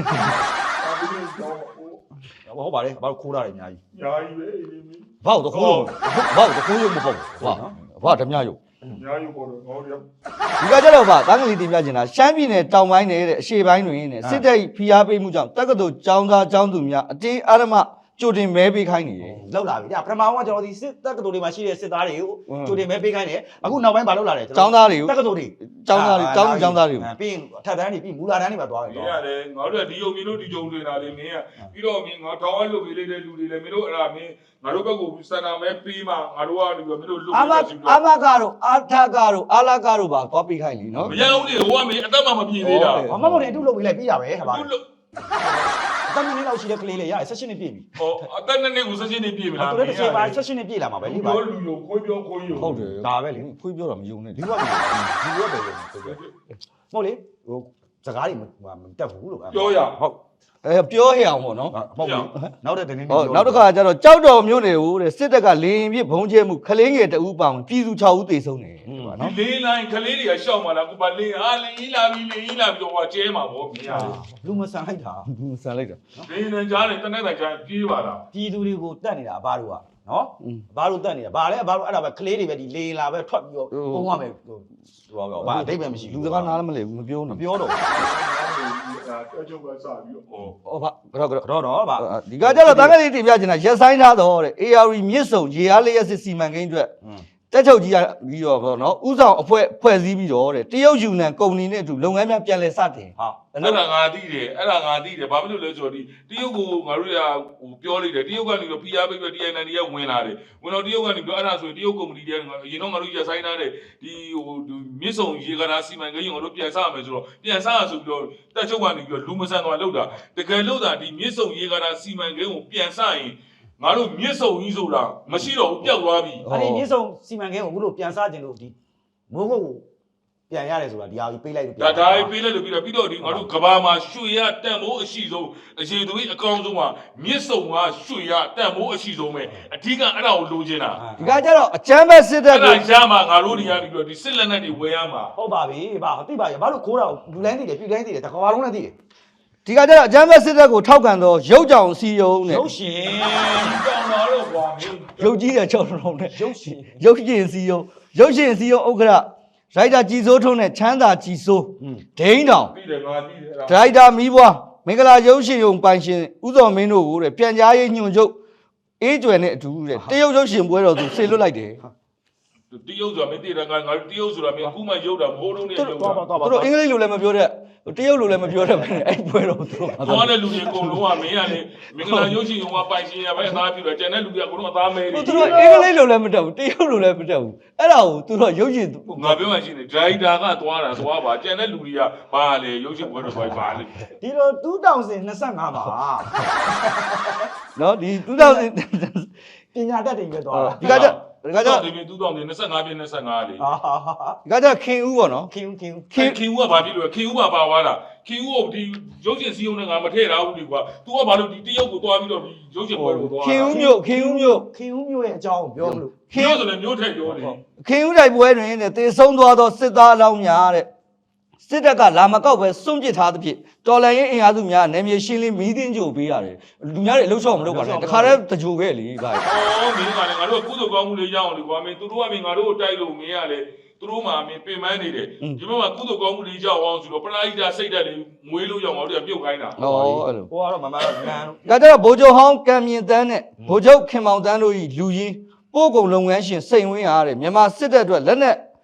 Speaker 3: ဟုတ်ပါတယ်ဘာလို့ခိုးတာလဲအများကြီး
Speaker 1: ညာကြီးပဲအေးမီး
Speaker 2: ဘောက်တခိုးဘောက်တခိုးရုံမပေါ့ဘာဓမြရုံ
Speaker 1: ညာကြီးပေါ်တော့ငေါရ
Speaker 2: ဒီကကြတော့ဗျတန်းကလေးတင်ပြချင်တာရှမ်းပြည်နယ်တောင်ပိုင်းနယ်တဲ့အရှေ့ပိုင်းတွင်နဲ့စစ်တပ်ဖိအားပေးမှုကြောင့်တက္ကသိုလ်ကျောင်းသားကျောင်းသူများအတင်းအဓမ္မကြိုတင်မဲပေးခိုင်းနေတယ်
Speaker 3: လောက်လာပြီဒါပထမကကျွန်တော်ဒီစစ်တက္ကသိုလ်တွေမှာရှိတဲ့စစ်သားတွေကိုကြိုတင်မဲပေးခိုင်းတယ်အခုနောက်ပိုင်းဘာလုပ်လာလဲ
Speaker 2: ကျောင်းသားတွေကို
Speaker 3: တက္ကသိုလ်တွေ
Speaker 2: ကျောင်းသားတွေကျောင်းသူကျောင်းသားတွေကို
Speaker 3: ပြီးရင်ထပ်တန်းတွေပြီးမူလာတန်းတွေမှာသွားတယ်
Speaker 1: မင်းရတယ်ငါတို့ကဒီယုံမင်းတို့ဒီယုံနေတာလေမင်းကပြီးတော့မင်းငါထောင်းအလုပ်ပေးလိုက်တဲ့လူတွေလည်းမင်းတို့အဲ့ဒါမင်းငါတို့ဘက်ကစန္ဒာမဲပေးမှငါတို့ကဒီမင်းတို့လုပ်
Speaker 2: အာမကတော့အာထကတော့အာလာကတော့ပါသွားပေးခိုင်းလीနော်
Speaker 1: မရဘူးလေဟိုကမင်းအသက်မှမပြည့်သေးတာ
Speaker 3: ဘာမှမဟုတ်တယ်အတုလုပ်ပြီးလိုက်ပြီးရပဲဟာပါ
Speaker 1: သူ့လို့
Speaker 3: တမင်းလေးလောက်ရှိတဲ့ကလေးလေးရတယ်16နှစ်ပြည့်ပြီ
Speaker 1: ဟောအသက်နဲ့ကိုဆက်ချင်းနေပြည့်မလား
Speaker 3: သူလည်းတစ်ချိန်ပါ16နှစ်ပြည့်လာမှာပဲ
Speaker 1: လူ
Speaker 3: လေပါ
Speaker 1: ပြောလူလိုခွေးပြောခွေးရော
Speaker 2: ဟုတ်တယ်
Speaker 3: ဒါပဲလေ
Speaker 2: ခွေးပြောတာမယုံနဲ့
Speaker 3: ဒီဘက်ဒီဘက်ပဲဟုတ်လေဟိုစကားတွေမတက်ဘူးလို့
Speaker 1: ပြောရ
Speaker 3: ဟုတ်
Speaker 2: ပြောဟရအောင်ပေါ့နော်
Speaker 3: ဟုတ်ပြီနောက်တဲ့တင်း
Speaker 2: ဟောနောက်တစ်ခါကျတော့ကြောက်တော်မျိုးနယ်ဦးတဲ့စစ်တပ်ကလေရင်ပြစ်ဘုံကျဲမှုခလင်းငယ်တအူးပောင်ပြည်သူ6ဦးသေဆုံးတယ်ဒီပါ
Speaker 1: ဒီ
Speaker 2: နော်
Speaker 1: လေးလိုင်းကလေးတွေကရှောက်มาလားကိုပါလေးအားလင်းကြီးလာပြီးလင်းကြီးလာပြီးတော့ဟိုကျဲမှာဗောမင်းရ
Speaker 3: လူမဆန်လိုက်တာ
Speaker 2: ဘူးဆန်လိုက်တာ
Speaker 1: ဒီနေကြားနေတနေ့တိုင်းကျပြေးပါလား
Speaker 3: ပြည်သူတွေကိုတတ်နေတာအဘတို့ကနော်အဘတို့တတ်နေတာဘာလဲအဘတို့အဲ့ဒါပဲကလေးတွေပဲဒီလေလာပဲထွက်ပြီးတော့ပုံရမယ်ဟိုဘာအတိတ်ပဲမရှိ
Speaker 2: လူ
Speaker 3: ဘူး
Speaker 2: စကားနားလည်းမလည်ဘူးမပြော
Speaker 3: မ
Speaker 2: နဲ့
Speaker 3: ပြောတော့
Speaker 1: အကျုပ်ကစပြီးတော့
Speaker 2: ဟောဘာကတော့
Speaker 3: တော့ဗာ
Speaker 2: ဒီကကျတော့တန်းကလေးတင်ပြချင်တာရက်ဆိုင်ထားတော့တဲ့ AR မြစ်စုံရေအားလျက်စစ်စီမံကိန်းအတွက်တက်ချုပ်ကြီးကပြီးတော့ပေါ့နော်ဥဆောင်အဖွဲ့စည်းပြီးတော့တဲ့တရုတ်ယူနန်ကုမ္ပဏီနဲ့အတူလုပ်ငန်းများပြန်လည်စတင်
Speaker 3: ဟာ
Speaker 1: အဲ့ဒါငါသိတယ်အဲ့ဒါငါသိတယ်ဘာဖြစ်လို့လဲဆိုတော့ဒီတရုတ်ကိုငါတို့ကဟိုပြောလိုက်တယ်တရုတ်ကနေတော့ PR ပေးပြီး TNN တွေကဝင်လာတယ်ဝင်တော့တရုတ်ကနေပြီးအဲ့ဒါဆိုရင်တရုတ်ကုမ္ပဏီတွေကအရင်တော့ငါတို့ရက်ဆိုင်ထားတယ်ဒီဟိုမြစ်စုံရေကားစီမံကိန်းကိုငါတို့ပြန်စားမယ်ဆိုတော့ပြန်စားရဆိုပြီးတော့တက်ချုပ်ကနေပြီးတော့လူမဆန်သွားလောက်တာတကယ်လို့သာဒီမြစ်စုံရေကားစီမံကိန်းကိုပြန်စားရင်ငါတို့မြစ်စုံကြီးဆိုတာမရှိတော့ဘူးပျောက်သွားပြီ
Speaker 3: အဲ့ဒီမြစ်ဆုံစီမံကိန်းကိုအခုလို့ပြန်စားခြင်းလို့ဒီမိုးကုတ်ကိုပြန်ရတယ်ဆိုတာဒီဟာကြီးပေးလိုက်လို့
Speaker 1: ဒါပေးလိုက်လို့ပြီးတော့ဒီငါတို့ကဘာမှာရွှေရတန်မိုးအရှိဆုံးအခြေသူကြီးအကောင်းဆုံးကမြစ်စုံကရွှေရတန်မိုးအရှိဆုံးပဲအဓိကအဲ့ဒါကိုလိုချင်တာ
Speaker 2: ဒီကကျတော့အချမ်းပဲစစ်တပ်
Speaker 1: အဲ့
Speaker 2: ကို
Speaker 1: ဒါရမှာငါတို့နေရာပြီးတော့ဒီစစ်လက်နက်တွေဝယ်ရမှာ
Speaker 3: ဟုတ်ပါပြီဗာသိပါရဲ့ဘာလို့ခိုးတာလူလိုင်းသိတယ်ပြူလိုင်းသိတယ်တကွာလုံးလည်းသိတယ်
Speaker 2: ဒီကကျတော့အချမ်းပဲစစ်တပ်ကိုထောက်ခံတော့ရုပ်ကြောင်စီယုံနဲ့
Speaker 3: ရုပ်ရှင်
Speaker 1: တောင်းတော့တော့ကွာမင်း
Speaker 2: ရုပ်ကြီးတဲ့၆လုံးနဲ့
Speaker 3: ရုပ်ရှင်
Speaker 2: ရုပ်ရှင်စီယုံရုပ်ရှင်စီယုံဥက္ကရာရိုက်တာကြည်စိုးထုံးနဲ့ချမ်းသာကြည်စိုးဒိန်းတောင်
Speaker 1: ပြီးတယ်ငါပြီးတယ်အဲ့ဒါ
Speaker 2: ဒရိုက်တာမီးပွားမင်္ဂလာရုပ်ရှင်ရုံပိုင်ရှင်ဥသောမင်းတို့ကိုတဲ့ပြန်ကြားရေးညွှန်ချုပ်အေးကျွယ်နဲ့အတူတဲ့တရုတ်ရုပ်ရှင်ပွဲတော်သူဆေလွတ်လိုက်တယ်
Speaker 1: တရုတ်ဆိုတာမင်းသိတယ်ငါတရုတ်ဆိုတာမင်းအခုမှရုပ်တာမိုးလုံးနဲ့ရုပ်တာ
Speaker 3: သွားပါသွားပါ
Speaker 2: သူတို့အင်္ဂလိပ်လိုလည်းမပြောတဲ့တရုတ်လိုလည်းမပြောတဲ့ပဲအဲ့ပွဲတော်သူတို့
Speaker 1: သွားတဲ့လူတွေအကုန်လုံးကမင်းကလေမင်္ဂလာရုပ်ရှင်ကပိုင်ရှင်ရပဲအသားပြတယ်ကျန်တဲ့လူတွေအကုန်လုံးအသားမဲနေ
Speaker 2: သူတို့အင်္ဂလိပ်လိုလည်းမတတ်ဘူးတရုတ်လိုလည်းမတတ်ဘူးအဲ့ဒါကိုသူတို့ရုပ်ရှင်
Speaker 1: ငါပြောမှရှိနေဒရိုက်တာကသွားပါကျန်တဲ့လူတွေကဘာလဲရုပ်ရှင်ပွဲတော့ပါလေ
Speaker 3: ဒီလို2025မှာ
Speaker 2: နော်ဒီ2000
Speaker 3: ပညာတတ်တွေပဲသွားတာ
Speaker 2: ဒီကကျ
Speaker 1: ဒီပြင်2025ပြင်25လေ
Speaker 3: ဟာ
Speaker 2: ဒီကကျခင်ဦးပေါ့နော်
Speaker 3: ခင်ခင်
Speaker 1: ခင်ဦးကဘာဖြစ်လို့ခင်ဦးကပါသွားတာခင်ဦးကိုဒီရုပ်ရှင်စီးုံနဲ့ငါမထည့်ထားဘူးဒီကွာ तू ကဘာလို့ဒီတရုတ်ကိုသွားပြီးတော့ဒီရုပ်ရှင်ပွဲကိုသွား
Speaker 2: ခင်ဦးမြို့
Speaker 3: ခင်ဦးမျိုးရဲ့အကြောင်းကိုပြောမလို့
Speaker 1: ခင်ဦးဆိုလည်းမျိုးထည့်ပြောတယ်
Speaker 2: ခင်ဦးတိုက်ပွဲတွင်တဲ့တေဆုံးသွားသောစစ်သားအလောင်းများတဲ့စစ်တပ်ကလာမကောက်ပဲစွန့်ပစ်ထားသဖြင့်တော်လန်ရင်အင်အားစုများနယ်မြေရှင်းလင်းမီးတင်းကြိုပေးရတယ်လူများတွေအလုရှော့မလုပ်ပါနဲ့တခါတည်းတကြိုခဲ့လေဗျာ
Speaker 1: အော်မင်းကလည်းငါတို့ကကုသိုလ်ကောင်းမှုလေးရအောင်လေကွာမင်းသူတို့ကမင်းငါတို့ကိုတိုက်လို့မင်းကလေသူတို့မှမင်းပင်ပန်းနေတယ်ဒီဘက်မှာကုသိုလ်ကောင်းမှုလေးရအောင်ဆိုတော့ပလာဟိတာစိတ်ဓာတ်လေးမွေးလို့ရအောင်ငါတို့ကပြုတ်ခိုင်းတာ
Speaker 2: ဟောအဲ့လို
Speaker 3: ဟိုကတော့မမတော့လမ်း
Speaker 2: ဒါကြတော့ဗိုလ်ချုပ်ဟောင်းကံမြင့်တန်းနဲ့ဗိုလ်ချုပ်ခင်မောင်တန်းတို့ဤလူကြီးပို့ကုန်လုပ်ငန်းရှင်စိန်ဝင်းဟာတဲ့မြန်မာစစ်တပ်အတွက်လက်နက်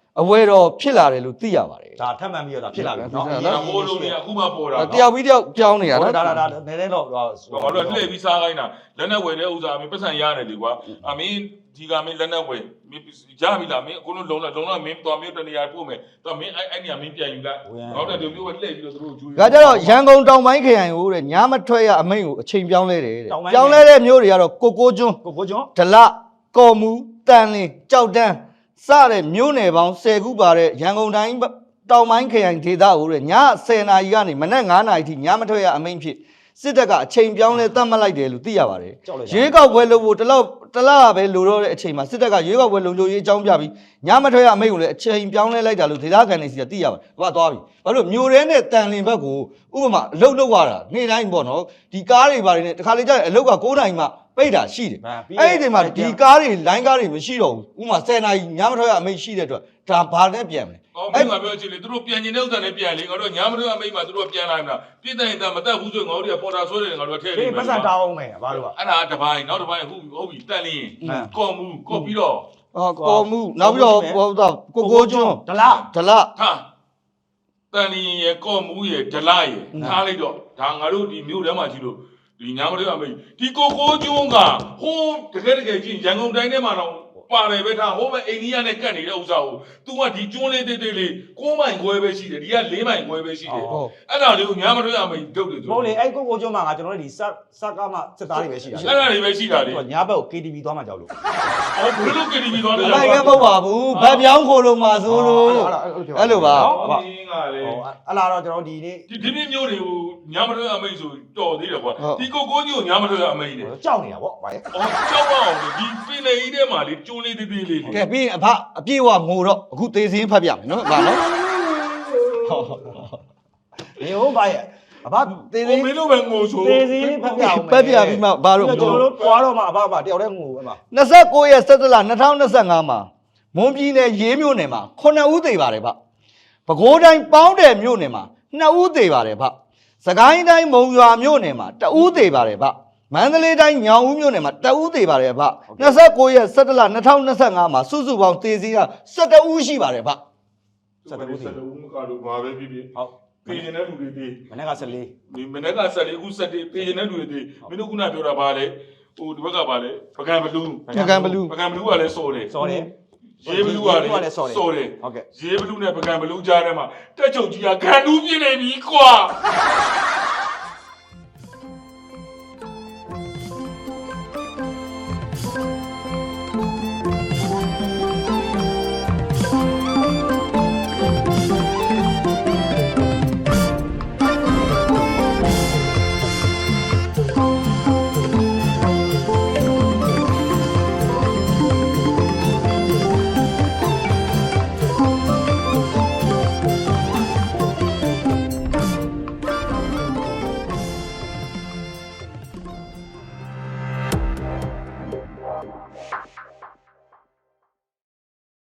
Speaker 2: အဝဲတော့ဖြစ်လာတယ်လို့သိရပါတယ်
Speaker 3: ဒါထပ်မှန်ပြီးတော့ဒါဖြစ်လာပြီ
Speaker 1: နော်ဟိုလိုနေအခုမှပေါ်တာ
Speaker 2: တယောက်ပြီးတယောက်ပြောင်းနေတာ
Speaker 3: ဒါ
Speaker 2: နော်
Speaker 3: ဒါနည်းနည်းတော့
Speaker 1: ငါတို့လှည့်ပြီးစားခိုင်းတာလက်နဲ့ဝယ်တဲ့ဥစ္စာမင်းပတ်စံရတယ်လေကွာအမင်းဒီကမင်းလက်နဲ့ဝယ်မင်းရပြီလားမင်းအခုလုံးလုံးမင်းတော်မျိုးတနေရာပို့မယ်တော့မင်းအဲ့နေရာမင်းပြန်ယူလိုက်နောက်တဲ့ဒီမျိုးပဲလှည့်ပြီးတော့သူတို့ကျွေး
Speaker 2: ဒါကြတော့ရန်ကုန်တောင်ပိုင်းခရိုင်ကိုတဲ့ညမထွက်ရအမိန့်ကိုအချိန်ပြောင်းလဲတယ်တဲ့ပြောင်းလဲတဲ့မျိုးတွေကတော့ကိုကိုကျွန်း
Speaker 3: ကိုကျွန်း
Speaker 2: ဒလကော်မူတန်လင်းကြောက်တန်းစတဲ့မြို့နယ်ပေါင်း10ခုပါတဲ့ရန်ကုန်တိုင်းတောင်ပိုင်းခရိုင်ဒေသကိုတဲ့ည10နာရီကနေမနက်9နာရီထိညမထွက်ရအမိန့်ဖြစ်စစ်တပ်ကအချိန်ပြောင်းလဲသတ်မှတ်လိုက်တယ်လို့သိရပါတယ်ရွေးကောက်ပွဲလို့တလောက်ပဲလိုတော့တဲ့အချိန်မှာစစ်တပ်ကရွေးကောက်ပွဲလုံခြုံရေးအကြောင်းပြပြီးညမထွက်ရအမိန့်ကိုလည်းအချိန်ပြောင်းလဲလိုက်တာလို့ဒေသခံတွေစီကသိရပါတယ်။ဘာသွားပြီ။ဘာလို့မြို့ရဲနဲ့တန်လင်းဘက်ကိုဥပမာအလုတ်လောက်ရတာနေ့တိုင်းပေါ့နော်။ဒီကားတွေဘာတွေနဲ့တခါလေကြာရင်အလုတ်က9နာရီမှပိတ်တာရှိတယ်။အဲ့ဒီအချိန်မှာဒီကားတွေလိုင်းကားတွေမရှိတော့ဘူး။ဥပမာ10နာရီညမထွက်ရအမိန့်ရှိတဲ့အတွက်ဒါဘာနဲ့ပြန်မလဲ
Speaker 1: အော်မင်းကပြောချင်လေသူတို့ပြန်ကျင်တဲ့ဥစ္စာနဲ့ပြန်လေငါတို့ညာမတို့အမိတ်မှာသူတို့ပြန်လာမှာပြည့်တဲ့တာမတက်ဘူးဆိုငါတို့ကပေါ်တာဆွဲတယ်ငါတို့ထည့်နေ
Speaker 3: ဒီပတ်စံတောင်းမယ်ဘာလို့က
Speaker 1: အဲ့ဒါတပိုင်းနောက်တပိုင်းဟုတ်ပြီတက်လင်းကော်မူကော်ပြီးတော့
Speaker 2: ကော်မှုနောက်ပြီးတော့ဟိုတော့ကိုကိုကျွန်း
Speaker 3: ဒလ
Speaker 2: ဒလ
Speaker 1: ဟာတန်လင်းရဲ့ကော်မူရဲ့ဒလရဲ့ထားလိုက်တော့ဒါငါတို့ဒီမြို့ထဲမှာရှိလို့ဒီညာမတို့အမိတ်ဒီကိုကိုကျွန်းကဟိုးတကယ်ကြီးရန်ကုန်တိုင်းထဲမှာတော့ပါတယ်ပဲထားဟိုးပဲအိန္ဒိယနဲ့ကတ်နေတဲ့ဥစ္စာကို तू ကဒီကျွန်းလေးတေးလေး9မိုင်ခွဲပဲရှိတယ်ဒီက4မိုင်ခွဲပဲရှိတယ်အဲ့ဒါလေးကိုညာမတို့အမိတ်တုတ်တယ်ဆို
Speaker 3: ဟုတ်လေအဲ့ကိုကျွန်းမှာငါကျွန်တော်တို့ဒီစကားမှစစ်သားတွေပဲရှိတာ
Speaker 1: အဲ့ဒါတွေပဲရှိတာလေ
Speaker 3: ညဘက်ကို KTV သွားမှကြောက်လို့
Speaker 1: အော်ဘယ်လို KTV သွားလဲ
Speaker 2: အဲ့ကမဟုတ်ပါဘူးဗတ်ပြောင်းခိုလို့မှာဆိုလို့အဲ့လိုပါ
Speaker 1: မင်းကလေ
Speaker 3: အလားတော့ကျွန်တော်ဒီနေ့
Speaker 1: ဒီမျိုးတွေကိုညာမတို့အမိတ်ဆိုတော်သေးတယ်ကွာဒီကိုကိုကြီးကိုညာမတို့အမိတ်တယ်
Speaker 3: ကြောက်နေတာဗောဗါရဲ့
Speaker 1: အော်ကြောက်အောင်ဒီပင်လေကြီးထဲမှာလေကျွန်းလေးသေးသေးလေး
Speaker 2: ကဲပြီးရင်အဖအပြည့်ဝငိုတော့အခုသေးစင်းဖတ်ပြမယ်နော်ဗာနော်
Speaker 3: နေဟုတ်ဗါရဲ့အဘသေး
Speaker 1: မင်းတို့ပဲငိုဆို
Speaker 3: သေးသေးဖတ်ပြအောင်
Speaker 2: ဖတ်ပြပြီးမှဘာလို့
Speaker 3: ကျွန်တော်တို့ပွားတော့မှအဘတယောက်တည်းငိုအမ
Speaker 2: 29ရက်17လ2025မှာမွန်ပြည်နယ်ရေးမြို့နယ်မှာ9ဦးသေပါတယ်ဗျပဲခူးတိုင်းပေါင်းတယ်မြို့နယ်မှာ2ဦးသေပါတယ်ဗျစကိုင်းတိုင်းမုံရွာမြို့နယ်မှာ1ဦးသေပါတယ်ဗျမန္တလေးတိုင်းညောင်ဦးမြို့နယ်မှာ1ဦးသေပါတယ်ဗျ29ရက်17လ2025မှာစုစုပေါင်းသေစီက17ဦးရှိပါတယ်ဗျ
Speaker 1: 17ဦးမကတော့ဘာပဲဖြစ်ဖြစ်
Speaker 3: ဟုတ်
Speaker 1: ပြင်နေတဲ့လူတွေသေး
Speaker 3: မနေ့က14
Speaker 1: ဒီမနေ့က14အခု17ပြင်နေတဲ့လူတွေသေးမင်းတို့ခုနပြောတာဘာလဲဟိုဒီဘက်ကဘာလဲပကံဘလူး
Speaker 2: ပကံဘလူး
Speaker 1: ပကံဘလူးကလည်းစော်တယ်
Speaker 3: စော်တယ်
Speaker 1: ရေးဘလူးကလည်းစော်တယ်
Speaker 3: ဟုတ်ကဲ့
Speaker 1: ရေးဘလူးနဲ့ပကံဘလူးကြားထဲမှာတက်ချုပ်ကြီးကဂန်တူးပြင်းနေပြီကွာ